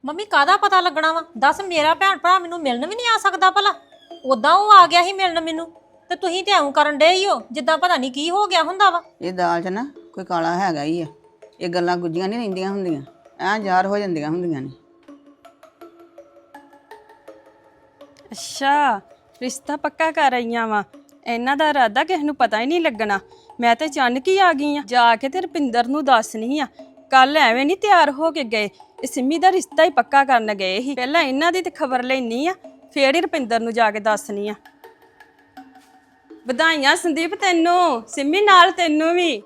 Mummy ਕਾਹਦਾ ਪਤਾ ਲੱਗਣਾ ਵਾ? ਦੱਸ, ਮੇਰਾ ਭੈਣ ਭਰਾ ਮੈਨੂੰ ਮਿਲਣ ਵੀ ਨਹੀਂ ਆ ਸਕਦਾ ਭਲਾ? ਉਦਾਂ ਉਹ ਆ ਗਿਆ ਸੀ ਮਿਲਣ ਮੈਨੂੰ, ਤੇ ਤੁਸੀਂ ਤੇ ਐਉਂ ਕਰਨ ਡੇ ਹੀ ਹੋ ਜਿੱਦਾਂ ਪਤਾ ਨਹੀਂ ਕੀ ਹੋ ਗਿਆ ਹੁੰਦਾ ਵਾ। ਇਹ ਦਾਲ 'ਚ ਨਾ ਕੋਈ ਕਾਲਾ ਹੈਗਾ ਹੀ ਆ। ਇਹ ਗੱਲਾਂ ਗੁੱਝੀਆਂ ਨਹੀਂ ਰਹਿੰਦੀਆਂ ਹੁੰਦੀਆਂ, ਐਂ ਜ਼ਾਹਰ ਹੋ ਜਾਂਦੀਆਂ ਹੁੰਦੀਆਂ ਨੇ। ਅੱਛਾ, ਰਿਸ਼ਤਾ ਪੱਕਾ ਕਰ ਆਈਆਂ ਵਾ। ਇਹਨਾਂ ਦਾ ਇਰਾਦਾ ਕਿਸੇ ਨੂੰ ਪਤਾ ਹੀ ਨਹੀਂ ਲੱਗਣਾ। ਮੈਂ ਤੇ ਅਚਾਨਕ ਹੀ ਆ ਗਈ ਆ। ਜਾ ਕੇ ਤੇ ਰੁਪਿੰਦਰ ਨੂੰ ਦੱਸਣੀ ਆ। ਕੱਲ ਐਵੇਂ ਨਹੀਂ ਤਿਆਰ ਹੋ ਕੇ ਗਏ, ਇਹ ਸਿੰਮੀ ਦਾ ਰਿਸ਼ਤਾ ਹੀ ਪੱਕਾ ਕਰਨ ਗਏ ਸੀ। ਪਹਿਲਾਂ ਇਹਨਾਂ ਦੀ ਤੇ ਖਬਰ ਲੈਣੀ ਆ, ਫੇਰ ਹੀ ਰੁਪਿੰਦਰ ਨੂੰ ਜਾ ਕੇ ਦੱਸਣੀ ਆ। ਵਧਾਈਆਂ ਸੰਦੀਪ ਤੈਨੂੰ, ਸਿੰਮੀ ਨਾਲ ਤੈਨੂੰ ਵੀ।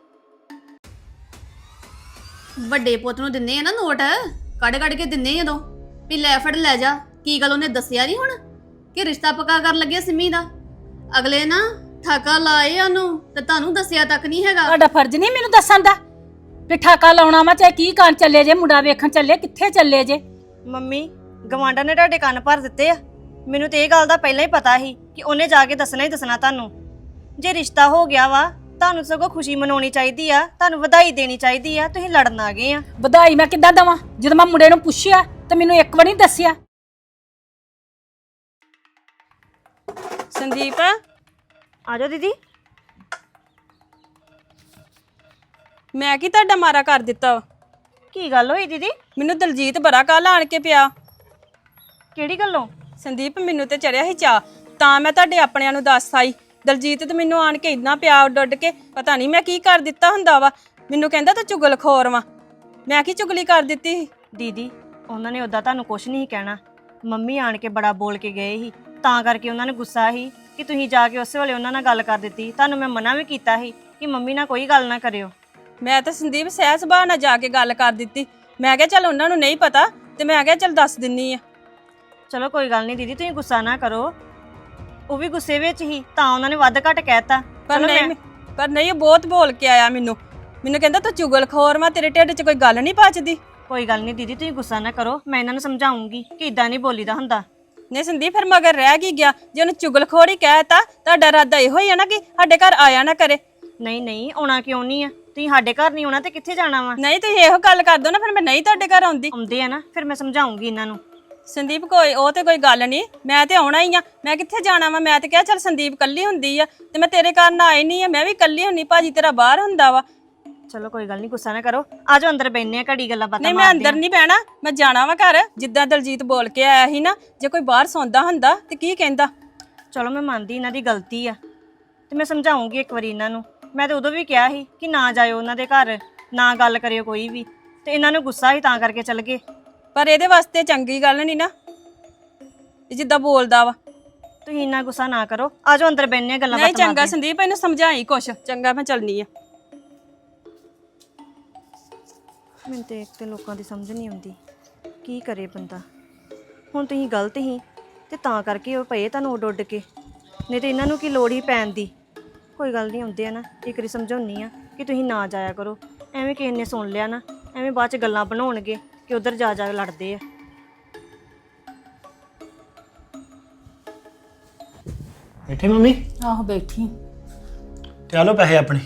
ਵੱਡੇ ਪੁੱਤ ਨੂੰ ਦਿੰਨੇ ਆ ਨਾ ਨੋਟ, ਕੱਢ ਕੱਢ ਕੇ ਦਿੰਨੇ ਜਦੋਂ ਵੀ ਲੈ ਫੜ ਲੈ ਜਾ। ਕੀ ਗੱਲ ਉਹਨੇ ਦੱਸਿਆ ਨਹੀਂ ਹੁਣ ਕਿ ਰਿਸ਼ਤਾ ਪੱਕਾ ਕਰਨ ਲੱਗਿਆ ਸਿੰਮੀ ਦਾ? ਅਗਲੇ ਨਾ ਠਾਕਾ ਲਾਏ ਉਹਨੂੰ ਤੇ ਤੁਹਾਨੂੰ ਦੱਸਿਆ ਤੱਕ ਨਹੀਂ ਹੈਗਾ। ਤੁਹਾਡਾ ਫਰਜ਼ ਨਹੀਂ ਮੈਨੂੰ ਦੱਸਣ ਦਾ ਵੀ ਠਾਕਾ ਲਾਉਣਾ ਵਾ, ਚਾਹੇ ਕੀ ਕਰਨ ਚੱਲੇ ਜੇ, ਮੁੰਡਾ ਵੇਖਣ ਚੱਲੇ, ਕਿੱਥੇ ਚੱਲੇ ਜੇ? ਮੰਮੀ, ਗਵਾਂਢਾਂ ਨੇ ਤੁਹਾਡੇ ਕੰਨ ਭਰ ਦਿੱਤੇ ਆ। ਮੈਨੂੰ ਤੇ ਇਹ ਗੱਲ ਦਾ ਪਹਿਲਾਂ ਹੀ ਪਤਾ ਸੀ ਕਿ ਉਹਨੇ ਜਾ ਕੇ ਦੱਸਣਾ ਹੀ ਦੱਸਣਾ ਤੁਹਾਨੂੰ। ਜੇ ਰਿਸ਼ਤਾ ਹੋ ਗਿਆ ਵਾ, ਤੁਹਾਨੂੰ ਸਗੋਂ ਖੁਸ਼ੀ ਮਨਾਉਣੀ ਚਾਹੀਦੀ ਆ, ਤੁਹਾਨੂੰ ਵਧਾਈ ਦੇਣੀ ਚਾਹੀਦੀ ਆ। ਤੁਸੀਂ ਲੜਨ ਆ ਗਏ ਆ। ਵਧਾਈ ਮੈਂ ਕਿੱਦਾਂ ਦਵਾਂ ਜਦੋਂ ਮੈਂ ਮੁੰਡੇ ਨੂੰ ਪੁੱਛਿਆ ਤੇ ਮੈਨੂੰ ਇੱਕ ਵਾਰ ਨਹੀਂ ਦੱਸਿਆ। ਸੰਦੀਪ, ਆ ਜਾਓ ਦੀਦੀ। ਮੈਂ ਕੀ ਤੁਹਾਡਾ ਮਾਰਾ ਕਰ ਦਿੱਤਾ ਵਾ? ਕੀ ਗੱਲ ਹੋਈ ਦੀਦੀ? ਮੈਨੂੰ ਦਲਜੀਤ ਬੜਾ ਕੱਲ ਆਣ ਕੇ ਪਿਆ। ਕਿਹੜੀ ਗੱਲੋਂ? ਸੰਦੀਪ, ਮੈਨੂੰ ਤੇ ਚੜਿਆ ਸੀ ਚਾਹ, ਤਾਂ ਮੈਂ ਤੁਹਾਡੇ ਆਪਣਿਆਂ ਨੂੰ ਦੱਸ ਆਈ। ਦਲਜੀਤ ਤੇ ਮੈਨੂੰ ਆਣ ਕੇ ਇੰਨਾ ਪਿਆ ਉੱਡ ਕੇ, ਪਤਾ ਨਹੀਂ ਮੈਂ ਕੀ ਕਰ ਦਿੱਤਾ ਹੁੰਦਾ ਵਾ। ਮੈਨੂੰ ਕਹਿੰਦਾ ਤੂੰ ਚੁਗਲਖੋਰ ਵਾ। ਮੈਂ ਕੀ ਚੁਗਲੀ ਕਰ ਦਿੱਤੀ ਸੀ? ਦੀਦੀ, ਉਹਨਾਂ ਨੇ ਉਦਾਂ ਤੁਹਾਨੂੰ ਕੁਝ ਨਹੀਂ ਕਹਿਣਾ। ਮੰਮੀ ਆਣ ਕੇ ਬੜਾ ਬੋਲ ਕੇ ਗਏ ਸੀ, ਤਾਂ ਕਰਕੇ ਉਹਨਾਂ ਨੇ ਗੁੱਸਾ ਸੀ ਕਿ ਤੁਸੀਂ ਜਾ ਕੇ ਉਸੇ ਵੇਲੇ ਉਹਨਾਂ ਨਾਲ ਗੱਲ ਕਰ ਦਿੱਤੀ। ਤੁਹਾਨੂੰ ਮੈਂ ਮਨਾ ਵੀ ਕੀਤਾ ਸੀ ਕਿ ਮੰਮੀ ਨਾਲ ਕੋਈ ਗੱਲ ਨਾ ਕਰਿਓ। ਮੈਂ ਤਾਂ ਸੰਦੀਪ ਸਹਿ ਸੁਭਾਅ ਨਾਲ ਜਾ ਕੇ ਗੱਲ ਕਰ ਦਿੱਤੀ। ਮੈਂ ਕਿਹਾ ਚੱਲ ਉਹਨਾਂ ਨੂੰ ਨਹੀਂ ਪਤਾ, ਤੇ ਮੈਂ ਕਿਹਾ ਚੱਲ ਦੱਸ ਦਿੰਨੀ ਆ। ਚਲੋ ਕੋਈ ਗੱਲ ਨਹੀਂ ਦੀਦੀ, ਤੁਸੀਂ ਗੁੱਸਾ ਨਾ ਕਰੋ। ਉਹ ਵੀ ਗੁੱਸੇ ਵਿੱਚ ਹੀ, ਤਾਂ ਉਹਨਾਂ ਨੇ ਵੱਧ ਘੱਟ ਕਹਿਤਾ। ਪਰ ਨਹੀਂ ਉਹ ਬਹੁਤ ਬੋਲ ਕੇ ਆਇਆ ਮੈਨੂੰ ਕਹਿੰਦਾ ਤੂੰ ਚੁਗਲਖੋਰ ਵਾ, ਤੇਰੇ ਢਿੱਡ 'ਚ ਕੋਈ ਗੱਲ ਨਹੀਂ ਪਚਦੀ। ਕੋਈ ਗੱਲ ਨਹੀਂ ਦੀਦੀ, ਤੁਸੀਂ ਗੁੱਸਾ ਨਾ ਕਰੋ। ਮੈਂ ਇਹਨਾਂ ਨੂੰ ਸਮਝਾਉਂਗੀ ਕਿ ਇਦਾਂ ਨਹੀਂ ਬੋਲੀਦਾ ਹੁੰਦਾ। ਨਹੀਂ ਸੰਦੀਪ, ਫਿਰ ਮਗਰ ਰਹਿ ਕੀ ਗਿਆ? ਜੇ ਉਹਨੂੰ ਚੁਗਲਖੋਰ ਹੀ ਕਹਿਤਾ, ਤੁਹਾਡਾ ਇਰਾਦਾ ਇਹੋ ਹੀ ਆ ਨਾ ਕਿ ਸਾਡੇ ਘਰ ਆਇਆ ਨਾ ਕਰੇ। ਨਹੀਂ ਨਹੀਂ, ਆਉਣਾ ਕਿਉਂ ਨਹੀਂ ਆ? ਤੁਸੀਂ ਸਾਡੇ ਘਰ ਨਹੀਂ ਆਉਣਾ ਤੇ ਕਿੱਥੇ ਜਾਣਾ ਵਾ? ਨਹੀਂ ਤੁਸੀਂ ਇਹੋ ਗੱਲ ਕਰ ਦੋ ਨਾ, ਫਿਰ ਮੈਂ ਨਹੀਂ ਤੁਹਾਡੇ ਘਰ ਆਉਂਦੀ। ਆਉਂਦੇ ਆ ਨਾ, ਫਿਰ ਮੈਂ ਸਮਝਾਉਂਗੀ ਇਹਨਾਂ ਨੂੰ। ਸੰਦੀਪ ਉਹ ਤੇ ਕੋਈ ਗੱਲ ਨਹੀਂ, ਮੈਂ ਤੇ ਆਉਣਾ ਹੀ ਆ। ਮੈਂ ਕਿੱਥੇ ਜਾਣਾ ਵਾ? ਮੈਂ ਤੇ ਕਿਹਾ ਚੱਲ ਸੰਦੀਪ ਕੱਲੀ ਹੁੰਦੀ ਆ ਤੇ ਮੈਂ ਤੇਰੇ ਘਰ ਨਾ ਆਈ ਨਹੀਂ ਆ। ਮੈਂ ਵੀ ਕੱਲੀ ਹੁੰਨੀ, ਭਾਜੀ ਤੇਰਾ ਬਾਹਰ ਹੁੰਦਾ ਵਾ। ਚਲੋ ਕੋਈ ਗੱਲ ਨਹੀਂ, ਗੁੱਸਾ ਨਾ ਕਰੋ। ਆ ਜਾਓ ਅੰਦਰ ਬੈਠਨੇ ਆ, ਘੜੀ ਗੱਲਾਂ ਬਾਤਾਂ ਨਹੀਂ, ਮੈਂ ਅੰਦਰ ਨਹੀਂ ਬਹਿਣਾ, ਮੈਂ ਜਾਣਾ ਵਾ ਘਰ। ਜਿੱਦਾਂ ਦਲਜੀਤ ਬੋਲ ਕੇ ਆਇਆ ਸੀ ਨਾ, ਜੇ ਕੋਈ ਬਾਹਰ ਸੌਂਦਾ ਹੁੰਦਾ ਤੇ ਕੀ ਕਹਿੰਦਾ? ਚਲੋ ਮੈਂ ਮੰਨਦੀ ਇਹਨਾਂ ਦੀ ਗਲਤੀ ਆ, ਤੇ ਮੈਂ ਸਮਝਾਉਂਗੀ ਇੱਕ ਵਾਰੀ ਇਹਨਾਂ ਨੂੰ। ਮੈਂ ਤਾਂ ਉਦੋਂ ਵੀ ਕਿਹਾ ਸੀ ਕਿ ਨਾ ਜਾਇਓ ਉਹਨਾਂ ਦੇ ਘਰ, ਨਾ ਗੱਲ ਕਰਿਓ ਕੋਈ ਵੀ, ਤੇ ਇਹਨਾਂ ਨੂੰ ਗੁੱਸਾ ਸੀ ਤਾਂ ਕਰਕੇ ਚੱਲ ਗਏ। ਪਰ ਇਹਦੇ ਵਾਸਤੇ ਚੰਗੀ ਗੱਲ ਨਹੀਂ ਨਾ ਇਹ ਜਿੱਦਾਂ ਬੋਲਦਾ ਵਾ। ਤੁਸੀਂ ਇੰਨਾ ਗੁੱਸਾ ਨਾ ਕਰੋ। ਆ ਜਾਓ ਅੰਦਰ ਬੈਠਨੇ ਆ, ਗੱਲਾਂ ਨਹੀਂ ਬਾਤਾਂ ਚੰਗਾ ਸੰਦੀਪ, ਇਹਨੂੰ ਸਮਝਾਈ ਕੁਛ। ਚੰਗਾ, ਮੈਂ ਚੱਲਨੀ ਆ। ਮੈਨੂੰ ਤੇ ਇੱਕ ਤੇ ਲੋਕਾਂ ਦੀ ਸਮਝ ਨਹੀਂ ਆਉਂਦੀ, ਕੀ ਕਰੇ ਬੰਦਾ। ਹੁਣ ਤੁਸੀਂ ਗਲਤ ਹੀ ਤੇ ਤਾਂ ਕਰਕੇ ਉਹ ਪਏ ਤੁਹਾਨੂੰ ਉੱਡ ਕੇ, ਨਹੀਂ ਤੇ ਇਹਨਾਂ ਨੂੰ ਕੀ ਲੋੜ ਹੀ ਪੈਣ ਦੀ। ਕੋਈ ਗੱਲ ਨਹੀਂ, ਆਉਂਦੇ ਆ ਨਾ, ਇੱਕ ਵਾਰੀ ਸਮਝਾਉਣੀ ਆ ਕਿ ਤੁਸੀਂ ਨਾ ਜਾਇਆ ਕਰੋ। ਐਵੇਂ ਕਿਸੇ ਨੇ ਸੁਣ ਲਿਆ ਨਾ, ਐਵੇਂ ਬਾਅਦ ਚ ਗੱਲਾਂ ਬਣਾਉਣਗੇ ਕਿ ਉਧਰ ਜਾ ਜਾ ਲੜਦੇ ਆ। ਬੈਠੇ ਮੰਮੀ? ਆਹੋ ਬੈਠੀ। ਤੇ ਆ ਲਓ ਪੈਸੇ ਆਪਣੇ।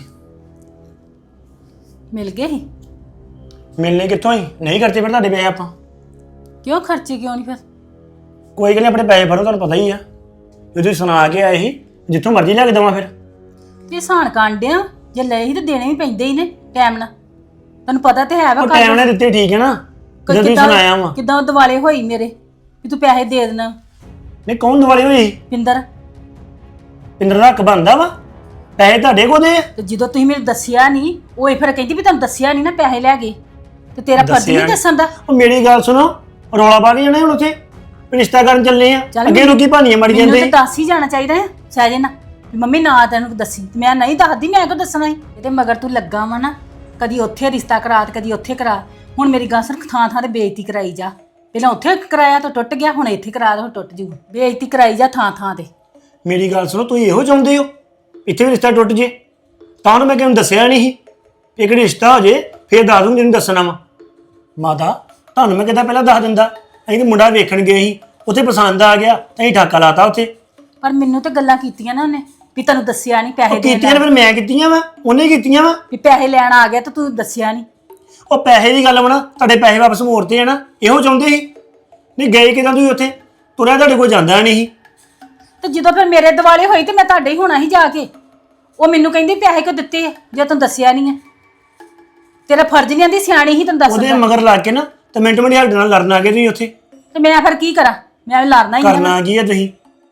ਮਿਲ ਗਏ ਸੀ? ਮਿਲਨੇ ਕਿੱਥੋਂ ਹੀ? ਨਹੀਂ ਖਰਚੇ ਫਿਰ ਤੁਹਾਡੇ ਪੈਸੇ ਆਪਾਂ। ਕਿਉਂ ਖਰਚੇ ਕਿਉਂ ਨਹੀਂ? ਫਿਰ ਕੋਈ ਗੱਲ ਨਹੀਂ, ਆਪਣੇ ਪੈਸੇ ਭਰੋ, ਤੁਹਾਨੂੰ ਪਤਾ ਹੀ ਆ। ਜੇ ਤੁਸੀਂ ਸੁਣਾ ਕੇ ਆਏ ਸੀ, ਜਿੱਥੋਂ ਮਰਜ਼ੀ ਲੈ ਕੇ ਦੇਵਾਂ ਫਿਰ। ਇਹ ਸਾਨ ਕਾਂਡਿਆ, ਜੇ ਲਏ ਸੀ ਤੇ ਦੇਣੇ ਵੀ ਪੈਂਦੇ ਹੀ ਨੇ ਟਾਈਮ ਨਾਲ। ਤੈਨੂੰ ਪਤਾ ਤੇ ਹੈ ਵਾ। ਉਹ ਟਾਈਮ ਨਾਲ ਦਿੱਤੇ ਠੀਕ ਹੈ ਨਾ, ਜਦੋਂ ਤੁਸੀਂ ਸੁਣਾਇਆ ਵਾ। ਕਿੱਦਾਂ ਦਿਵਾਲੇ ਹੋਈ ਮੇਰੇ ਵੀ ਤੂੰ ਪੈਸੇ ਦੇ ਦੇਣਾ? ਨਹੀਂ, ਕੌਣ ਦਿਵਾਲੀ ਹੋਈ? ਪਿੰਦਰ ਪਿੰਦਰ ਦਾ ਹੱਕ ਬਣਦਾ ਵਾ, ਪੈਸੇ ਤੁਹਾਡੇ ਕੋਲ ਦੇ ਆ। ਤੇ ਜਦੋਂ ਤੁਸੀਂ ਮੈਨੂੰ ਦੱਸਿਆ ਨਹੀਂ, ਉਹ ਇਹ ਫਿਰ ਕਹਿੰਦੀ ਵੀ ਤੁਹਾਨੂੰ ਦੱਸਿਆ ਨਹੀਂ ਨਾ ਪੈਸੇ ਲੈ ਗਏ, ਤੇ ਤੇਰਾ ਫਰਜ਼ ਨਹੀਂ ਦੱਸਣ ਦਾ। ਉਹ ਮੇਰੀ ਗੱਲ ਸੁਣੋ, ਰੌਲਾ ਪਾ ਕੇ ਜਾਣਾ ਹੁਣ ਉੱਥੇ ਰਿਸ਼ਤਾ ਕਰਨ ਚੱਲੇ ਆ। ਅੱਗੇ ਲੋਕੀ ਭਾਨੀਆਂ ਮੜੀ ਜਾਂਦੇ। ਮੈਨੂੰ ਤਾਂ ਦੱਸ ਹੀ ਜਾਣਾ ਚਾਹੀਦਾ ਹੈ ਸਹਿਜੇ ਨਾ ਵੀ ਮੰਮੀ ਨਾ ਤੈਨੂੰ ਦੱਸੀ। ਮੈਂ ਨਹੀਂ ਦੱਸਦੀ, ਮੈਂ ਕਿਉਂ ਦੱਸਣਾ ਹੈ? ਇਹਦੇ ਮਗਰ ਤੂੰ ਲੱਗਾ ਵਾ ਨਾ, ਕਦੀ ਉੱਥੇ ਰਿਸ਼ਤਾ ਕਰਾ ਤੇ ਕਦੀ ਉੱਥੇ ਕਰਾ। ਹੁਣ ਮੇਰੀ ਗੱਲ ਸੁਣ, ਥਾਂ ਥਾਂ ਤੇ ਬੇਇੱਜ਼ਤੀ ਕਰਾਈ ਜਾ। ਪਹਿਲਾਂ ਉੱਥੇ ਕਰਾਇਆ ਤਾਂ ਟੁੱਟ ਗਿਆ, ਹੁਣ ਇੱਥੇ ਕਰਾ ਦੋ ਟੁੱਟ ਜੂ। ਬੇਇੱਜ਼ਤੀ ਕਰਾਈ ਜਾ ਥਾਂ ਥਾਂ ਤੇ। ਮੇਰੀ ਗੱਲ ਸੁਣੋ, ਤੁਸੀਂ ਇਹੋ ਚਾਹੁੰਦੇ ਹੋ ਇੱਥੇ ਵੀ ਰਿਸ਼ਤਾ ਟੁੱਟ ਜੇ? ਤਾਂ ਉਹਨੂੰ ਮੈਂ ਕਿਹਨੂੰ ਦੱਸਿਆ ਨਹੀਂ ਸੀ। ਇੱਕ ਰਿਸ਼ਤਾ ਹੋ ਜੇ ਫਿਰ ਦੱਸ ਦੂੰ, ਜਿਹਨੂੰ ਦੱਸਣਾ ਵਾ। ਮਾਤਾ, ਤੁਹਾਨੂੰ ਮੈਂ ਕਿਹਾ ਪਹਿਲਾਂ ਦੱਸ ਦਿੰਦਾ। ਅਸੀਂ ਤਾਂ ਮੁੰਡਾ ਵੇਖਣ ਗਏ ਸੀ, ਉੱਥੇ ਪਸੰਦ ਆ ਗਿਆ, ਅਸੀਂ ਠਾਕਾ ਲਾਤਾ ਉੱਥੇ। ਪਰ ਮੈਨੂੰ ਤਾਂ ਗੱਲਾਂ ਕੀਤੀਆਂ ਨਾ ਉਹਨੇ ਵੀ ਤੈਨੂੰ ਦੱਸਿਆ ਨਹੀਂ ਪੈਸੇ ਦੇਣ ਕੀਤੀਆਂ ਫਿਰ ਮੈਂ ਕੀਤੀਆਂ ਵਾ, ਉਹਨੇ ਕੀਤੀਆਂ ਵਾ। ਵੀ ਪੈਸੇ ਲੈਣ ਆ ਗਿਆ ਤਾਂ ਤੂੰ ਦੱਸਿਆ ਨਹੀਂ। ਉਹ ਪੈਸੇ ਦੀ ਗੱਲ ਵਾ ਨਾ, ਤੁਹਾਡੇ ਪੈਸੇ ਵਾਪਸ ਮੋੜਤੇ ਆ ਨਾ, ਇਹੋ ਚਾਹੁੰਦੇ ਸੀ। ਨਹੀਂ ਗਏ ਕਿਦਾਂ ਤੁਸੀਂ ਉੱਥੇ? ਤੁਰਿਆ ਤੁਹਾਡੇ ਕੋਲ ਜਾਂਦਾ ਨਹੀਂ ਸੀ। ਤੇ ਜਦੋਂ ਫਿਰ ਮੇਰੇ ਦਿਵਾਲੇ ਹੋਈ ਤੇ ਮੈਂ ਤੁਹਾਡੇ ਹੀ ਹੋਣਾ ਸੀ ਜਾ ਕੇ। ਉਹ ਮੈਨੂੰ ਕਹਿੰਦੀ ਪੈਸੇ ਕਿਉਂ ਦਿੱਤੇ ਆ ਜੇ ਤੈਨੂੰ ਦੱਸਿਆ ਨਹੀਂ ਹੈ? ਤੇਰਾ ਫਰਜ਼ ਨਹੀਂ ਆਂਦੀ, ਸਿਆਣੀ ਹੀ ਤੈਨੂੰ ਉਹਦੇ ਦੱਸਦਾ। ਮਗਰ ਲੱਗ ਕੇ ਨਾ ਤੇ ਮਿੰਟ ਮਿੰਟ ਸਾਡੇ ਨਾਲ ਲੜਨ ਆ ਗਏ ਤੁਸੀਂ ਉੱਥੇ। ਤੇ ਮੈਂ ਫਿਰ ਕੀ ਕਰਾਂ? ਮੈਂ ਵੀ ਲੜਨਾ ਹੀ ਆ ਨਾ। ਕਰਨਾ ਕੀ ਆ ਤੁਸੀਂ?